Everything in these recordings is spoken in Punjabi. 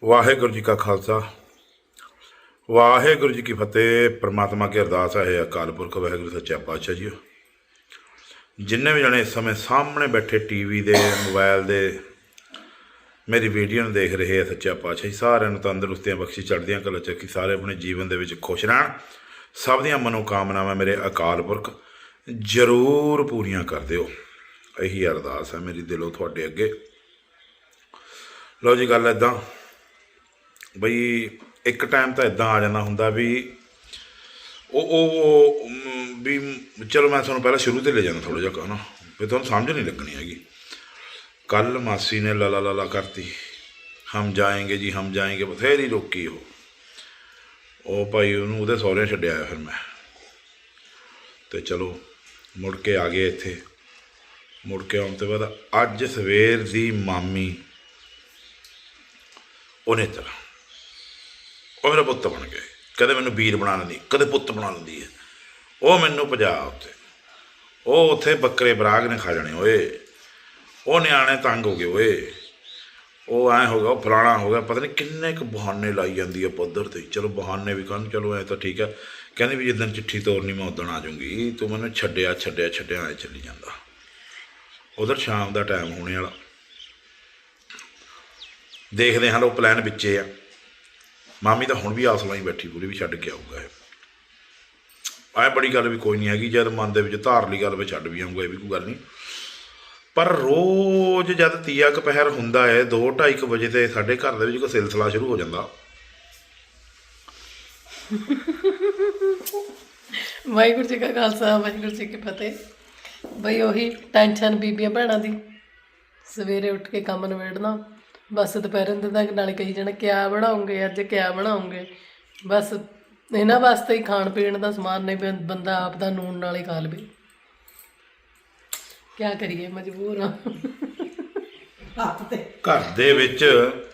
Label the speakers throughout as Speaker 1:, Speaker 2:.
Speaker 1: ਵਾਹਿਗੁਰੂ ਜੀ ਕਾ ਖਾਲਸਾ ਵਾਹਿਗੁਰੂ ਜੀ ਕੀ ਫਤਿਹ। ਪ੍ਰਮਾਤਮਾ ਕੀ ਅਰਦਾਸ ਹੈ ਅਕਾਲ ਪੁਰਖ ਵਾਹਿਗੁਰੂ ਸੱਚਾ ਪਾਤਸ਼ਾਹ ਜੀ। ਜਿੰਨੇ ਵੀ ਜਣੇ ਇਸ ਸਮੇਂ ਸਾਹਮਣੇ ਬੈਠੇ ਟੀਵੀ ਦੇ ਮੋਬਾਈਲ ਦੇ ਮੇਰੀ ਵੀਡੀਓ ਨੂੰ ਦੇਖ ਰਹੇ ਆ, ਸੱਚਾ ਪਾਤਸ਼ਾਹ ਜੀ ਸਾਰਿਆਂ ਨੂੰ ਤੰਦਰੁਸਤੀਆਂ ਬਖਸ਼ੀ, ਚੜ੍ਹਦੀਆਂ ਕਲਾ ਚੱਕੀ, ਸਾਰੇ ਆਪਣੇ ਜੀਵਨ ਦੇ ਵਿੱਚ ਖੁਸ਼ ਰਹਿਣ। ਸਭ ਦੀਆਂ ਮਨੋਕਾਮਨਾਵਾਂ ਮੇਰੇ ਅਕਾਲ ਪੁਰਖ ਜ਼ਰੂਰ ਪੂਰੀਆਂ ਕਰ ਦਿਓ, ਇਹੀ ਅਰਦਾਸ ਹੈ ਮੇਰੀ ਦਿਲੋਂ ਤੁਹਾਡੇ ਅੱਗੇ। ਲਓ ਜੀ, ਗੱਲ ਇੱਦਾਂ ਬਈ ਇੱਕ ਟਾਈਮ ਤਾਂ ਇੱਦਾਂ ਆ ਜਾਂਦਾ ਹੁੰਦਾ ਵੀ ਉਹ ਵੀ ਚਲੋ ਮੈਂ ਤੁਹਾਨੂੰ ਪਹਿਲਾਂ ਸ਼ੁਰੂ 'ਤੇ ਲੈ ਜਾਂਦਾ ਥੋੜ੍ਹਾ ਜਿਹਾ ਨਾ, ਵੀ ਤੁਹਾਨੂੰ ਸਮਝ ਨਹੀਂ ਲੱਗਣੀ ਹੈਗੀ। ਕੱਲ ਮਾਸੀ ਨੇ ਲਾਲਾ ਲਾਲਾ ਕਰਤੀ, ਹਮ ਜਾਏਂਗੇ ਜੀ ਹਮ ਜਾਏਂਗੇ, ਬਥੇਰੀ ਰੋਕੀ ਉਹ ਭਾਈ ਉਹਨੂੰ ਉਹਦੇ ਸਹੁਰਿਆਂ ਛੱਡਿਆ ਆਇਆ। ਫਿਰ ਮੈਂ ਅਤੇ ਚਲੋ ਮੁੜ ਕੇ ਆ ਗਏ ਇੱਥੇ। ਮੁੜ ਕੇ ਆਉਣ ਤੋਂ ਬਾਅਦ ਅੱਜ ਸਵੇਰ ਦੀ ਮਾਮੀ ਉਹਨੇ ਤਰ੍ਹਾਂ ਉਹ ਮੇਰਾ ਪੁੱਤ ਬਣ ਗਿਆ। ਕਦੇ ਮੈਨੂੰ ਵੀਰ ਬਣਾ ਲੈਂਦੀ, ਕਦੇ ਪੁੱਤ ਬਣਾ ਲੈਂਦੀ ਹੈ। ਉਹ ਮੈਨੂੰ ਭਜਾ ਉਹ ਉੱਥੇ ਬੱਕਰੇ ਬਰਾਗ ਨੇ ਖਾ ਜਾਣੇ ਓਏ, ਉਹ ਨਿਆਣੇ ਤੰਗ ਹੋ ਗਏ ਓਏ, ਉਹ ਐਂ ਹੋ ਗਿਆ, ਉਹ ਫਲਾਣਾ ਹੋ ਗਿਆ, ਪਤਾ ਨਹੀਂ ਕਿੰਨੇ ਕੁ ਬਹਾਨੇ ਲਾਈ ਜਾਂਦੀ ਹੈ ਪੱਧਰ 'ਤੇ। ਚਲੋ ਬਹਾਨੇ ਵੀ ਕਰਨ, ਚਲੋ ਐਂ ਤਾਂ ਠੀਕ ਹੈ। ਕਹਿੰਦੀ ਵੀ ਜਿੱਦਣ ਚਿੱਠੀ ਤੋਰਨੀ ਮੈਂ ਉੱਦਣ ਆ ਜਾਊਂਗੀ, ਤੂੰ ਮੈਨੂੰ ਛੱਡਿਆ ਐਂ ਚੱਲੀ ਜਾਂਦਾ। ਉਧਰ ਸ਼ਾਮ ਦਾ ਟਾਈਮ ਹੋਣੇ ਵਾਲਾ, ਦੇਖਦੇ ਹਾਂ। ਉਹ ਪਲਾਨ ਵਿੱਚੇ ਆ। ਮਾਮੀ ਤਾਂ ਹੁਣ ਵੀ ਆਸ ਲਾਈ ਬੈਠੀ ਪੂਰੀ ਵੀ ਛੱਡ ਕੇ ਆਊਗਾ ਇਹ। ਬੜੀ ਗੱਲ ਵੀ ਕੋਈ ਨਹੀਂ ਹੈਗੀ, ਜਦ ਮਨ ਦੇ ਵਿੱਚ ਧਾਰ ਲਈ ਗੱਲ ਵੀ ਛੱਡ ਵੀ ਆਊਗਾ, ਇਹ ਵੀ ਕੋਈ ਗੱਲ ਨਹੀਂ। ਪਰ ਰੋਜ਼ ਜਦ ਤੀਆ ਕੁ ਪਹਿਰ ਹੁੰਦਾ ਹੈ 2-2:30 ਵਜੇ ਤੇ ਸਾਡੇ ਘਰ ਦੇ ਵਿੱਚ ਕੋਈ ਸਿਲਸਿਲਾ ਸ਼ੁਰੂ ਹੋ ਜਾਂਦਾ।
Speaker 2: ਵਾਹਿਗੁਰੂ ਜੀ ਕਾ ਖਾਲਸਾ ਵਾਹਿਗੁਰੂ ਜੀ ਕੀ ਫਤਿਹ। ਬਈ ਉਹੀ ਟੈਨਸ਼ਨ ਬੀਬੀਆਂ ਭੈਣਾਂ ਦੀ, ਸਵੇਰੇ ਉੱਠ ਕੇ ਕੰਮ ਨਿਬੇੜਨਾ, ਬਸ ਦੁਪਹਿਰ ਦੇ ਤੱਕ ਨਾਲੇ ਕਹੀ ਜਾਣਾ ਕਿਆ ਬਣਾਉਂਗੇ ਅੱਜ, ਕਿਆ ਬਣਾਉਂਗੇ। ਬਸ ਇਹਨਾਂ ਵਾਸਤੇ ਹੀ ਖਾਣ ਪੀਣ ਦਾ ਸਮਾਨ ਨਹੀਂ, ਬੰਦਾ ਆਪ ਦਾ ਨੂਣ ਨਾਲ ਹੀ ਖਾ ਲਵੇ। ਕਿਆ ਕਰੀਏ, ਮਜਬੂਰ ਹਾਂ।
Speaker 1: ਘਰ ਦੇ ਵਿੱਚ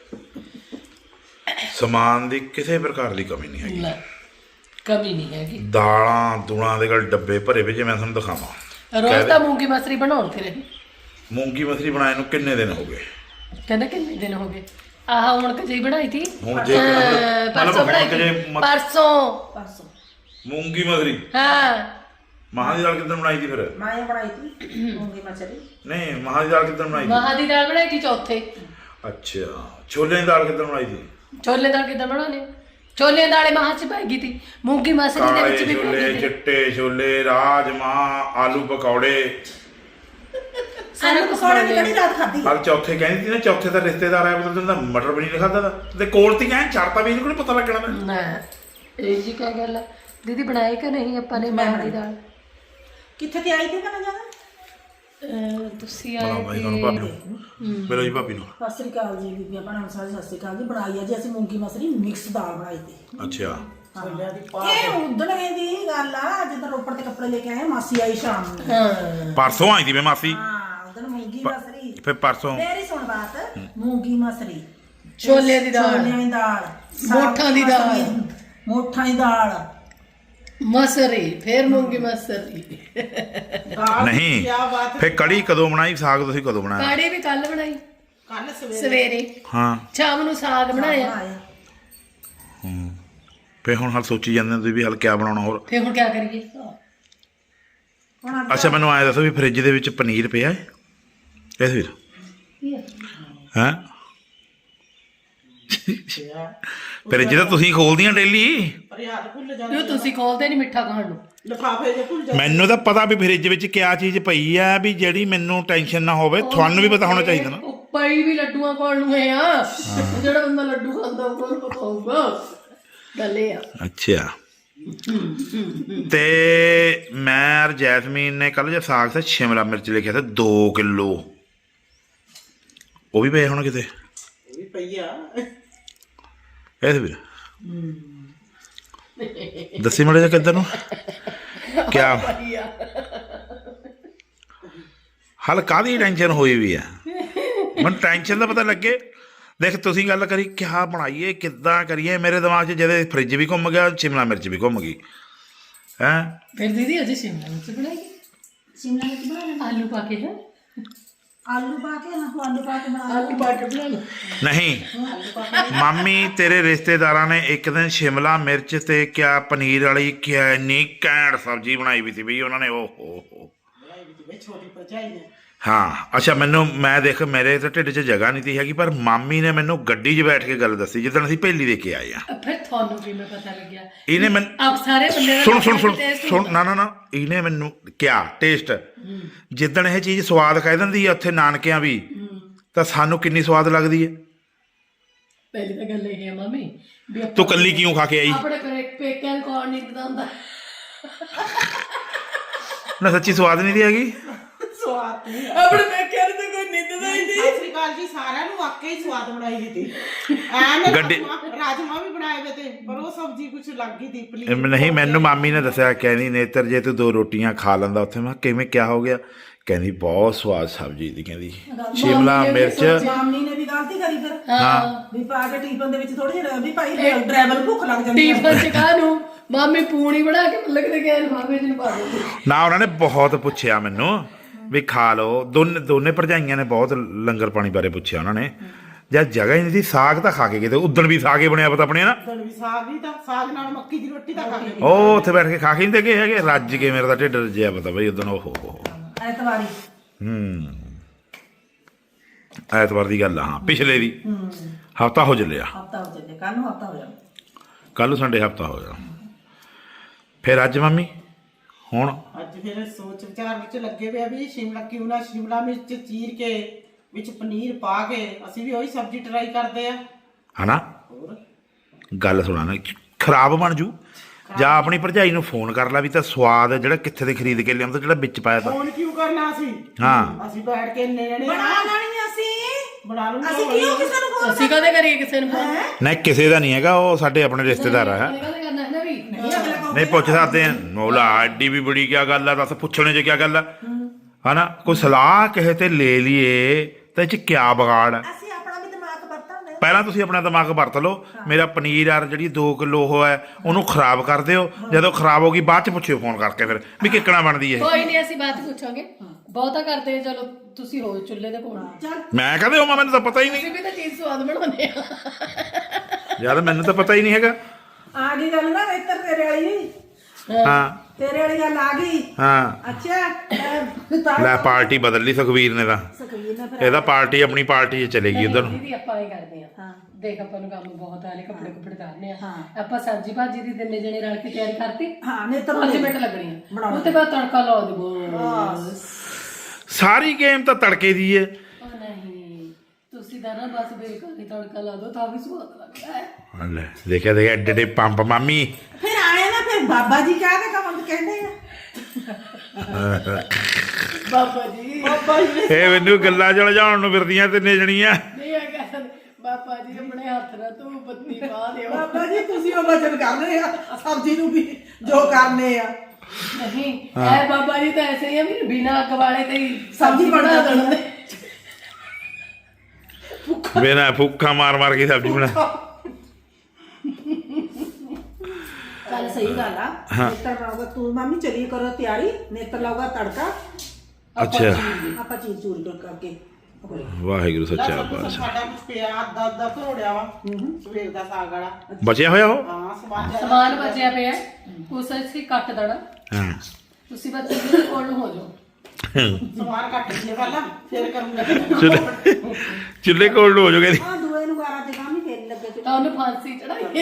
Speaker 1: ਸਮਾਨ ਦੀ ਕਿਸੇ ਪ੍ਰਕਾਰ ਦੀ ਕਮੀ ਨਹੀਂ ਹੈਗੀ,
Speaker 2: ਕਮੀ ਨਹੀਂ ਹੈਗੀ।
Speaker 1: ਦਾਲਾਂ ਦੂਲਾਂ ਦੇ ਗੱਲ ਡੱਬੇ ਭਰੇ ਵੀ, ਜੇ ਮੈਂ ਤੁਹਾਨੂੰ ਦਿਖਾਵਾਂ।
Speaker 2: ਰੋਜ਼ ਤਾਂ ਮੂੰਗੀ ਮਸਰੀ ਬਣਾਉਣ ਫਿਰ
Speaker 1: ਮੂੰਗੀ ਮਸਰੀ ਬਣਾਏ ਨੂੰ ਕਿੰਨੇ ਦਿਨ ਹੋ ਗਏ?
Speaker 2: ਕਹਿੰਦਾ ਕਿੰਨੇ ਦਿਨ ਹੋ ਗਏ? ਆਹ ਹੁਣ ਕਜੇ ਬਣਾਈ ਤੀ,
Speaker 1: ਹੁਣ ਜੇ
Speaker 2: ਪਰਸੋਂ ਬਣਾਈ, ਪਰਸੋਂ
Speaker 1: ਮੂੰਗੀ ਮਸਰੀ।
Speaker 2: ਹਾਂ,
Speaker 1: ਮਹਾਂ ਦੀ ਦਾਲ ਕਿੱਦਣ ਬਣਾਈ ਸੀ ਫਿਰ?
Speaker 3: ਮੈਂ ਬਣਾਈ ਤੀ ਮੂੰਗੀ ਮਸਰੀ।
Speaker 1: ਨਹੀਂ, ਮਹਾਂ ਦੀ ਦਾਲ ਕਿੱਦਣ ਬਣਾਈ ਸੀ?
Speaker 2: ਮਹਾਂ ਦੀ ਦਾਲ ਬਣਾਈ ਸੀ ਚੌਥੇ।
Speaker 1: ਅੱਛਾ, ਛੋਲਿਆਂ ਦੀ ਦਾਲ ਕਿੱਦਣ ਬਣਾਈ ਸੀ?
Speaker 2: ਛੋਲੇ ਦਾਲ ਕਿੱਦਾਂ ਬਣਾਉਣੇ? ਛੋਲੇ ਦਾਲੇ ਮਹਾਂ ਚ ਪੈ ਗਈ ਤੀ, ਮੂੰਗੀ ਮਸਰੀ ਦੇ ਵਿੱਚ ਵੀ ਪੈ
Speaker 1: ਛੋਲੇ,
Speaker 2: ਗਈ।
Speaker 1: ਚਿੱਟੇ ਛੋਲੇ, ਰਾਜਮਾਂਹ, ਆਲੂ ਪਕੌੜੇ।
Speaker 3: ਸਾਨੂੰ ਪਕੌੜੇ ਦੀ ਕਿਹੜੀ ਰਾਤ ਖਾਧੀ?
Speaker 1: ਹਰ ਚੌਥੇ ਕਹਿੰਦੀ ਸੀ ਨਾ, ਚੌਥੇ ਦਾ ਰਿਸ਼ਤੇਦਾਰ ਆਇਆ ਬਤਾ ਦਿੰਦਾ ਮਟਰ ਪਨੀਰ ਖਾਦਾ ਦਾ ਤੇ ਕੋਲ ਤੀ ਐਂ ਛੱਡਤਾ ਵੀ ਇਹਨੂੰ ਕੋਈ ਪਤਾ ਲੱਗਣਾ ਤਾਂ।
Speaker 2: ਨਾ ਇਹ ਜੀ ਕਿਆ ਗੱਲ ਆ ਦੀਦੀ, ਬਣਾਈ ਕਿ ਨਹੀਂ ਆਪਾਂ ਨੇ ਮਹਾਂ ਦੀ ਦਾਲ?
Speaker 3: ਕਿੱਥੇ ਤੇ ਆਈ ਤੇ ਨਾ ਜਾਣਾ?
Speaker 2: ਤੁਸੀਂ ਆਏ
Speaker 1: ਭਾਬੀ ਨੂੰ ਮਿਲੋ ਜੀ, ਭਾਬੀ ਨੂੰ।
Speaker 3: ਸਤਿ ਸ੍ਰੀ ਅਕਾਲ ਜੀ ਬੀਬੀਆਂ ਭੈਣਾਂ ਸਾਰੇ, ਸਤਿ ਸ੍ਰੀ ਅਕਾਲ ਜੀ। ਬਣਾਈ ਆ ਜੀ ਅਸੀਂ ਮੂੰਗੀ ਮਸਰੀ ਮਿਕਸ ਦਾਲ ਬਣਾਈ ਤੀ।
Speaker 1: ਅੱਛਾ,
Speaker 3: ਇਹ ਉਦਣ ਦੀ ਗੱਲ ਆ ਜਦੋਂ ਰੋਪੜ ਤੇ ਕੱਪੜੇ ਲੈ ਕੇ ਆਏ, ਮਾਸੀ ਆਈ ਸ਼ਾਮ ਨੂੰ।
Speaker 1: ਪਰਸੋਂ ਆਈ ਸੀ ਮੈਂ ਮਾਸੀ।
Speaker 3: ਹਾਂ, ਉਦਣ ਮੂੰਗੀ ਮਸਰੀ।
Speaker 1: ਫਿਰ ਪਰਸੋਂ
Speaker 3: ਮੇਰੀ ਸੁਣ ਬਾਤ, ਮੂੰਗੀ ਮਸਰੀ,
Speaker 2: ਛੋਲਿਆਂ ਦੀ ਦਾਲ,
Speaker 3: ਛੋਲਿਆਂ ਦੀ ਦਾਲ,
Speaker 2: ਮੋਠਾਂ ਦੀ ਦਾਲ,
Speaker 3: ਮੋਠਾਂ ਦੀ ਦਾਲ,
Speaker 2: ਮਸਰੀ, ਫਿਰ ਮੂੰਗੀ ਮਸਰੀ।
Speaker 1: ਨਹੀਂ। ਫਿਰ ਕੜੀ ਕਦੋਂ ਬਣਾਈ? ਸਾਗ ਤੁਸੀਂ ਕਦੋਂ ਬਣਾਇਆ?
Speaker 2: ਕਾੜੀ ਵੀ ਕੱਲ ਬਣਾਈ,
Speaker 3: ਕੱਲ
Speaker 2: ਸਵੇਰੇ।
Speaker 1: ਹਾਂ,
Speaker 2: ਸ਼ਾਮ ਨੂੰ ਸਾਗ ਬਣਾਇਆ।
Speaker 1: ਫਿਰ ਹੁਣ ਹਾਲ ਸੋਚੀ ਜਾਂਦੇ ਤੁਸੀਂ ਵੀ ਹਾਲ ਕਿਆ ਬਣਾਉਣਾ ਹੋਰ?
Speaker 2: ਫਿਰ ਹੁਣ ਕਿਆ ਕਰੀਏ?
Speaker 1: ਅੱਛਾ, ਮੈਨੂੰ ਆਇਆ ਦੱਸੋ ਵੀ ਫਰਿੱਜ ਦੇ ਵਿੱਚ ਪਨੀਰ ਪਿਆ ਹੈ ਇਸ ਵੀਰ? ਹੈਂ, ਫਰਿੱਜ ਤਾਂ ਤੁਸੀਂ ਖੋਲਦੀਆਂ ਡੇਲੀ।
Speaker 2: ਜੋ ਤੁਸੀਂ ਖੋਲਦੇ ਨਹੀਂ ਮਿੱਠਾ ਖਾਣ ਨੂੰ।
Speaker 3: ਲਿਫਾਫੇ ਜੇ ਭੁੱਲ ਜਾ।
Speaker 1: ਮੈਨੂੰ ਤਾਂ ਪਤਾ ਵੀ ਫਰਿੱਜ ਵਿੱਚ ਕਿਆ ਚੀਜ਼ ਪਈ ਆ, ਵੀ ਜਿਹੜੀ ਮੈਨੂੰ ਟੈਨਸ਼ਨ ਨਾ ਹੋਵੇ। ਤੁਹਾਨੂੰ ਵੀ ਪਤਾ ਹੋਣਾ ਚਾਹੀਦਾ ਨਾ।
Speaker 2: ਪਈ ਵੀ ਲੱਡੂਆਂ ਕੋਲ ਨੂੰ ਹੈ ਆ, ਜਿਹੜਾ ਬੰਦਾ ਲੱਡੂ ਖਾਂਦਾ ਉਹਨੂੰ ਪਤਾ ਹੋਊਗਾ। ਗੱਲ ਇਹ ਆ।
Speaker 1: ਅੱਛਾ, ਤੇ ਮੈਂ ਜੈਸਮੀਨ ਨੇ ਕੱਲ ਜੇ ਸਾਗ ਤੇ ਸ਼ਿਮਲਾ ਮਿਰਚ ਲਿਖਿਆ ਸੀ 2 ਕਿਲੋ, ਉਹ ਵੀ ਪਏ ਹੋਣ ਕਿਤੇ?
Speaker 3: ਵੀ ਪਈਆ
Speaker 1: ਇਹ ਵੀਰ ਦੱਸੀ ਮੜੇ ਜਾ ਕਿੱਧਰ ਨੂੰ ਕਿਆ ਹਾਲ ਕਾਹਦੀ ਟੈਨਸ਼ਨ ਹੋਈ ਵੀ ਆ? ਮੈਨੂੰ ਟੈਨਸ਼ਨ ਦਾ ਪਤਾ ਲੱਗੇ। ਦੇਖ ਤੁਸੀਂ ਗੱਲ ਕਰੀ ਕਿਆ ਬਣਾਈਏ, ਕਿੱਦਾਂ ਕਰੀਏ, ਮੇਰੇ ਦਿਮਾਗ 'ਚ ਜਦੇ ਫਰਿੱਜ ਵੀ ਘੁੰਮ ਗਿਆ, ਸ਼ਿਮਲਾ ਮਿਰਚ ਵੀ ਘੁੰਮ ਗਈ। ਹੈਂ,
Speaker 2: ਫਿਰ ਦੀਦੀ ਅਜੇ ਸ਼ਿਮਲਾ ਮਿਰਚ ਬਣਾਈ,
Speaker 3: ਸ਼ਿਮਲਾ ਮਿਰਚ ਬਣਾ ਲੈਣਾ,
Speaker 2: ਆਲੂ ਪਾ ਕੇ।
Speaker 3: ਆਲੂ ਪਾ ਕੇ ਨਾ ਆਲੂ ਪਾ ਕੇ ਬਣਾ
Speaker 2: ਆਲੂ ਪਾ ਕੇ ਬਣਾ ਲਓ।
Speaker 1: ਨਹੀਂ ਮਾਮੀ ਤੇਰੇ ਰਿਸ਼ਤੇਦਾਰਾਂ ਨੇ ਇੱਕ ਦਿਨ ਸ਼ਿਮਲਾ ਮਿਰਚ ਤੇ ਕਿਆ ਪਨੀਰ ਵਾਲੀ ਕਿਆ ਇੰਨੀ ਘੈਂਟ ਸਬਜ਼ੀ ਬਣਾਈ ਵੀ ਸੀ ਬਈ ਉਹਨਾਂ ਨੇ ਉਹ ਹੋ
Speaker 3: ਛੋਟੀ ਭਰਜਾਈ ਨੇ
Speaker 1: ਹਾਂ ਅੱਛਾ ਮੈਨੂੰ ਮੈਂ ਦੇਖ ਮੇਰੇ ਤਾਂ ਢਿੱਡ 'ਚ ਜਗ੍ਹਾ ਨਹੀਂ ਤੀ ਹੈਗੀ ਪਰ ਮਾਮੀ ਨੇ ਮੈਨੂੰ ਗੱਡੀ 'ਚ ਬੈਠ ਕੇ ਗੱਲ ਦੱਸੀ ਜਿੱਦਣ ਅਸੀਂ ਪਹਿਲੀ ਦੇ ਕੇ ਆਏ ਆ
Speaker 2: ਫਿਰ ਤੁਹਾਨੂੰ ਕਿਵੇਂ ਪਤਾ ਲੱਗਿਆ
Speaker 1: ਇਹਨੇ ਮੈਨੂੰ
Speaker 2: ਆਪ ਸਾਰੇ ਬੰਦੇ ਦਾ
Speaker 1: ਸੁਣ ਸੁਣ ਸੁਣ
Speaker 2: taste
Speaker 1: ਸੁਣ ਨਾ ਇਹਨੇ ਮੈਨੂੰ ਕਿਆ ਟੇਸਟ ਜਿੱਦਣ ਇਹ ਚੀਜ਼ ਸਵਾਦ ਕਹਿ ਦਿੰਦੀ ਆ ਉੱਥੇ ਨਾਨਕਿਆਂ ਵੀ ਤਾਂ ਸਾਨੂੰ ਕਿੰਨੀ ਸਵਾਦ ਲੱਗਦੀ ਹੈ
Speaker 2: ਪਹਿਲੀ ਤਾਂ ਗੱਲ ਇਹ ਹੈ ਮਾਮੀ ਵੀ
Speaker 1: ਤੂੰ ਕੱਲੀ ਕਿਉਂ ਖਾ ਕੇ ਆਈ
Speaker 2: ਆਪਣੇ ਪੇਕਿਆਂ ਨੂੰ ਕੌਣ ਨਹੀਂ ਪਤਾਉਂਦਾ
Speaker 1: ਨਾ ਸੱਚੀ ਸਵਾਦ ਨਹੀਂ ਦੀ ਹੈਗੀ
Speaker 3: ਸਵਾਦ ਨਹੀਂ
Speaker 2: ਆਪਣੇ ਪੇਕਿਆਂ ਨੂੰ ਤਾਂ ਕੋਈ ਨਿੰਦਦਾ ਹੀ ਨਹੀਂ
Speaker 3: ਸਤਿ ਸ੍ਰੀ ਅਕਾਲ ਜੀ ਸਾਰਿਆਂ ਨੂੰ ਵਾਕਈ ਸਵਾਦ ਬਣਾਈ ਦਿੱਤੀ ਐਨ
Speaker 1: ਗੱਡੀ-
Speaker 3: ਰਾਜਮਾ ਵੀ ਬਣਾਏ ਵੇ ਤੇ ਪਰ ਉਹ ਸਬਜ਼ੀ ਕੁਛ ਲੱਗ ਗਈ ਦੀਪਲੀ
Speaker 1: ਨਹੀਂ ਮੈਨੂੰ ਮਾਮੀ ਨੇ ਦੱਸਿਆ ਕਹਿੰਦੀ ਨੇਤਰ ਜੇ ਤੂੰ 2 ਰੋਟੀਆਂ ਖਾ ਲੈਂਦਾ ਉੱਥੇ ਮੈਂ ਕਿਹਾ, ਕਿਵੇਂ ਕਿਆ ਹੋ ਗਿਆ ਕਹਿੰਦੀ ਬਹੁਤ ਸਵਾਦ ਸਬਜ਼ੀ ਦੀ ਕਹਿੰਦੀ ਸ਼ਿਮਲਾ ਮਿਰਚ
Speaker 3: ਮਾਮੀ ਨੇ ਵੀ ਗਲਤੀ ਕਰੀ ਫਿਰ
Speaker 1: ਹਾਂ
Speaker 3: ਵੀ ਪਾ ਕੇ ਟੀਫਨ ਦੇ ਵਿੱਚ ਥੋੜੀ ਜਿਹੀ ਵੀ ਭਾਈ ਡਰਾਈਵਰ ਭੁੱਖ ਲੱਗ ਜਾਂਦੀ
Speaker 2: ਟੀਫਨ ਚ ਕਾਹ ਨੂੰ ਮਾਮੀ ਪੂਣੀ ਬਣਾ ਕੇ ਲੱਗਦੇ ਗਏ ਮਾਮੇ ਜੀ ਨੂੰ ਪਾ ਦਿੰਦੇ
Speaker 1: ਨਾ ਉਹਨਾਂ ਨੇ ਬਹੁਤ ਪੁੱਛਿਆ ਮੈਨੂੰ ਵੀ ਖਾ ਲਓ ਦੋਨੇ ਭਰਜਾਈਆਂ ਨੇ ਬਹੁਤ ਲੰਗਰ ਪਾਣੀ ਬਾਰੇ ਪੁੱਛਿਆ ਉਹਨਾਂ ਨੇ ਜਦ ਜਗ੍ਹਾ ਹੀ ਨਹੀਂ ਸੀ ਸਾਗ ਤਾਂ ਖਾ ਕੇ ਗਏ ਤੇ ਉਦਣ ਵੀ ਸਾਗ ਹੀ ਬਣਿਆ ਪਤਾ ਆਪਣੇ ਨਾ
Speaker 3: ਉਦੋਂ ਵੀ ਸਾਗ ਵੀ ਤਾਂ ਸਾਗ ਨਾਲ ਮੱਕੀ ਦੀ ਰੋਟੀ ਤਾਂ ਖਾ ਕੇ
Speaker 1: ਉਹ ਉੱਥੇ ਬੈਠ ਕੇ ਖਾ ਕੇ ਨਹੀਂ ਤੇ ਗਏ ਹੈਗੇ ਰੱਜ ਕੇ ਮੇਰਾ ਤਾਂ ਢਿੱਡ ਰੱਜਿਆ ਪਤਾ ਬਈ ਉਦਣ ਉਹ
Speaker 3: ਐਤਵਾਰੀ
Speaker 1: ਐਤਵਾਰ ਦੀ ਗੱਲ ਆ ਹਾਂ ਪਿਛਲੇ ਦੀ ਹਫਤਾ ਹੋ ਚੱਲਿਆ
Speaker 3: ਹਫਤਾ ਹੋ ਚੱਲੇ ਕੱਲ ਨੂੰ ਹਫਤਾ ਹੋ ਜਾਣਾ
Speaker 1: ਕੱਲ ਸੰਡੇ ਹਫਤਾ ਹੋ ਗਿਆ ਫਿਰ ਅੱਜ ਮੰਮੀ ਹੁਣ
Speaker 3: ਅੱਜ ਫਿਰ ਸੋਚ ਵਿਚਾਰ ਵਿੱਚ ਲੱਗੇ ਪਿਆ ਵੀ ਸ਼ਿਮਲਾ ਕਿਉਂ ਨਾ ਸ਼ਿਮਲਾ ਮਿਰਚ ਚੀਰ ਕੇ ਵਿੱਚ ਪਨੀਰ ਪਾ ਕੇ ਅਸੀਂ ਵੀ ਉਹੀ ਸਬਜ਼ੀ ਟਰਾਈ ਕਰਦੇ ਆ
Speaker 1: ਹਨਾ
Speaker 3: ਹੋਰ
Speaker 1: ਗੱਲ ਸੁਣਾ ਨਾ ਖਰਾਬ ਬਣ ਜੂ ਜਾਂ ਆਪਣੀ ਭਰਜਾਈ ਨੂੰ ਫੋਨ ਕਰ ਲੈ ਵੀ ਤਾਂ ਸਵਾਦ ਜਿਹੜਾ ਕਿੱਥੇ ਦੇ ਖਰੀਦ ਕੇ ਲਿਆਉਂਦਾ ਜਿਹੜਾ ਵਿੱਚ ਪਾਇਆ ਤਾਂ
Speaker 3: ਫੋਨ ਕਿਉਂ ਕਰਨਾ ਅਸੀਂ
Speaker 1: ਹਾਂ
Speaker 3: ਅਸੀਂ ਬੈਠ ਕੇ ਇੰਨੇ ਜਣੇ ਬਣਾ ਲੈਣੀ ਅਸੀਂ ਬਣਾ ਲੂੰਗੇ ਅਸੀਂ ਕਿਉਂ ਕਿਸੇ ਨੂੰ ਫੋਨ
Speaker 2: ਅਸੀਂ ਕਦੇ ਕਰੀਏ ਕਿਸੇ ਨੂੰ ਫੋਨ
Speaker 1: ਨਹੀਂ ਕਿਸੇ ਦਾ ਨਹੀਂ ਹੈਗਾ ਉਹ ਸਾਡੇ ਆਪਣੇ ਰਿਸ਼ਤੇਦਾਰ ਆ
Speaker 2: ਕਦੇ ਕਰਨਾ ਹੈ ਨਾ ਵੀ
Speaker 3: ਨਹੀਂ ਅਗਲੇ ਕੋਲ
Speaker 1: ਨਹੀਂ ਪੁੱਛ ਸਕਦੇ ਆ ਮੌਲਾ ਐਡੀ ਵੀ ਬੜੀ ਕੀ ਗੱਲ ਆ ਦੱਸ ਪੁੱਛਣੇ 'ਚ ਕੀ ਗੱਲ ਆ ਹਨਾ ਕੋਈ ਸਲਾਹ ਕਿਸੇ ਤੇ ਲੈ ਲਈਏ ਤਾਂ ਇਹ 'ਚ ਕੀ ਵਿਗਾੜ ਆ
Speaker 3: ਅਸੀਂ ਆਪਣਾ ਵੀ ਦਿਮਾਗ ਵਰਤਾਂਗੇ
Speaker 1: ਪਹਿਲਾਂ ਤੁਸੀਂ ਆਪਣਾ ਦਿਮਾਗ ਵਰਤ ਲਓ ਮੇਰਾ ਪਨੀਰ ਯਾਰ ਜਿਹੜੀ 2 ਕਿਲੋ ਉਹ ਹੈ ਉਹਨੂੰ ਖਰਾਬ ਕਰ ਦਿਓ ਜਦੋਂ ਖਰਾਬ ਹੋ ਗਈ ਬਾਅਦ 'ਚ ਪੁੱਛਿਓ ਫੋਨ ਕਰਕੇ ਫਿਰ ਵੀ ਕਿੱਕਣਾ ਬਣਦੀ ਹੈ
Speaker 2: ਕੋਈ ਨਹੀਂ ਅਸੀਂ ਬਾਤ ਪੁੱਛਾਂਗੇ ਬਹੁਤਾ ਕਰਦੇ ਚਲੋ ਤੁਸੀਂ ਹੋ ਚੁੱਲ੍ਹੇ ਦੇ ਕੋਲ
Speaker 3: ਚੱਲ
Speaker 1: ਮੈਂ ਕਹਦੇ ਹੋਵਾਂ ਮੈਨੂੰ ਤਾਂ ਪਤਾ ਹੀ ਨਹੀਂ
Speaker 2: ਅਸੀਂ ਵੀ ਤਾਂ ਚੀਜ਼ ਸਵਾਦ ਬਣਾਉਂਦੇ ਆ
Speaker 1: ਯਾਰ ਮੈਨੂੰ ਤਾਂ ਪਤਾ ਹੀ ਨਹੀਂ ਹੈਗਾ
Speaker 3: ਆ ਗਈ ਗੱਲ ਨਾ ਇੱਧਰ ਤੇਰੇ ਵਾਲੀ
Speaker 1: ਹਾਂ
Speaker 3: ਤੇਰੇ ਵਾਲੀ ਗੱਲ ਆ ਗਈ
Speaker 1: ਹਾਂ
Speaker 3: ਅੱਛਾ
Speaker 1: ਲੈ ਪਾਰਟੀ ਬਦਲ ਲਈ ਸੁਖਵੀਰ ਨੇ ਤਾਂ
Speaker 3: ਸਕੀਨ ਨਾ ਫਿਰ
Speaker 1: ਇਹਦਾ ਪਾਰਟੀ ਆਪਣੀ ਪਾਰਟੀ 'ਚ ਚਲੇਗੀ ਉਧਰ ਨੂੰ
Speaker 2: ਦੀਦੀ ਆਪਾਂ ਇਹ ਕਰਦੇ ਆ ਦੇਖ ਆਪਾਂ ਨੂੰ ਕੰਮ ਬਹੁਤ ਆਲੇ ਕੱਪੜੇ ਕੁੱਪੜੇ ਧਾਰਨੇ ਆ ਆਪਾਂ ਸਬਜ਼ੀ ਭਾਜੀ ਦੀ ਦਿਨੇ ਜਣੇ ਰਲ ਕੇ ਤਿਆਰੀ ਕਰਤੀ
Speaker 3: ਹਾਂ ਨੇ ਤਾਂ
Speaker 2: 5 ਮਿੰਟ ਲੱਗਣੀ ਆ ਉਹਦੇ ਬਾਅਦ ਤੜਕਾ ਲਾ ਦੇਵੋ
Speaker 1: ਸਾਰੀ ਗੇਮ ਤਾਂ ਤੜਕੇ ਦੀ ਹੈ
Speaker 2: ਉਹ ਨਹੀਂ ਤੁਸੀਂ ਤਾਂ ਨਾ ਬਸ ਬੇਕਾਰੀ ਤੜਕਾ ਲਾ ਦੋ ਤਾਂ ਵੀ ਸਵਾਦ ਲੱਗਦਾ ਹੈ
Speaker 1: ਲੈ ਦੇਖਿਆ ਐਡੇ ਐਡੇ ਪੰਪ ਮਾਮੀ
Speaker 3: ਫਿਰ ਆਏ ਨਾ ਫਿਰ ਬਾਬਾ ਜੀ ਕਹਿ ਕੇ ਕੰਮ ਕਹਿੰਦੇ ਆ
Speaker 2: ਬਾਬਾ ਜੀ
Speaker 1: ਇਹ ਮੈਨੂੰ ਗੱਲਾਂ ਚ ਲਜਾਉਣ ਨੂੰ ਫਿਰਦੀਆਂ ਤਿੰਨੇ ਜਣੀਆਂ
Speaker 2: ਨਹੀਂ ਆ ਕਹਿੰਦੇ ਬਾਬਾ ਜੀ ਆਪਣੇ ਹੱਥ ਨਾਲ ਤੂੰ ਪਤਨੀ ਪਾ ਦਿਓ
Speaker 3: ਬਾਬਾ ਜੀ ਤੁਸੀਂ ਉਹ ਵਚਨ ਕਰ ਰਹੇ ਆ ਸਬਜ਼ੀ ਨੂੰ ਵੀ ਜੋ ਕਰਨੇ ਆ
Speaker 2: ਨਹੀਂ ਐ ਬਾਬਾ ਜੀ ਤਾਂ ਐਸੇ ਹੀ ਆ ਵੀ ਬਿਨਾਂ ਅੱਗ ਵਾਲੇ ਤੇ ਹੀ
Speaker 3: ਸਬਜ਼ੀ ਬਣਾ
Speaker 2: ਦਿੰਦੇ
Speaker 1: ਬਿਨਾ ਫੁੱਕਾ ਮਾਰ ਕੇ ਸਬਜ਼ੀ ਬਣਾ
Speaker 3: ਚੱਲ ਸਹੀ ਗੱਲ ਆ ਨੇਤਰ ਲਾਊਗਾ ਤੂੰ ਮਾਮੀ ਚਲੀ ਕਰੋ ਤਿਆਰੀ ਨੇਤਰ ਲਾਊਗਾ ਤੜਕਾ
Speaker 1: ਅੱਛਾ
Speaker 3: ਆਪਾਂ ਚੀਜ਼ ਚੂਰੀ ਕਰਕੇ
Speaker 1: ਵਾਹਿਗੁਰੂ ਸੱਚਾ ਪਾਤਸ਼ਾਹ
Speaker 3: ਸਾਡਾ ਕੁਝ ਪਿਆ ਅੱਧਾ ਘੋੜਿਆ ਵਾ ਸਵੇਰ ਦਾ ਸਾਗ ਵਾਲਾ
Speaker 1: ਬਚਿਆ ਹੋਇਆ ਉਹ
Speaker 3: ਹਾਂ
Speaker 2: ਸਮਾਨ ਬਚਿਆ ਪਿਆ ਉਸ ਅਸੀਂ ਕੱਟ ਦੇਣਾ
Speaker 1: ਹਾਂ
Speaker 2: ਤੁਸੀਂ ਬੱਚੇ ਦੇ ਕੋਲ ਨੂੰ ਹੋ ਜਾਓ
Speaker 3: ਸਮਾਨ ਕੱਟ ਲਈਏ ਪਹਿਲਾਂ ਫਿਰ ਕਰੂੰਗਾ
Speaker 1: ਚੁੱਲ੍ਹੇ ਕੋਲ ਨੂੰ ਹੋ ਜਾਓਗੇ
Speaker 3: ਆ ਦੂਏ ਨੂੰ ਗਾਰਾ ਤੇ ਕੰਮ ਹੀ ਫੇਰ ਲੱਗੇ ਤੇ
Speaker 2: ਤਾਂ ਉਹਨੂੰ ਫਾਂਸੀ ਚੜਾਈਏ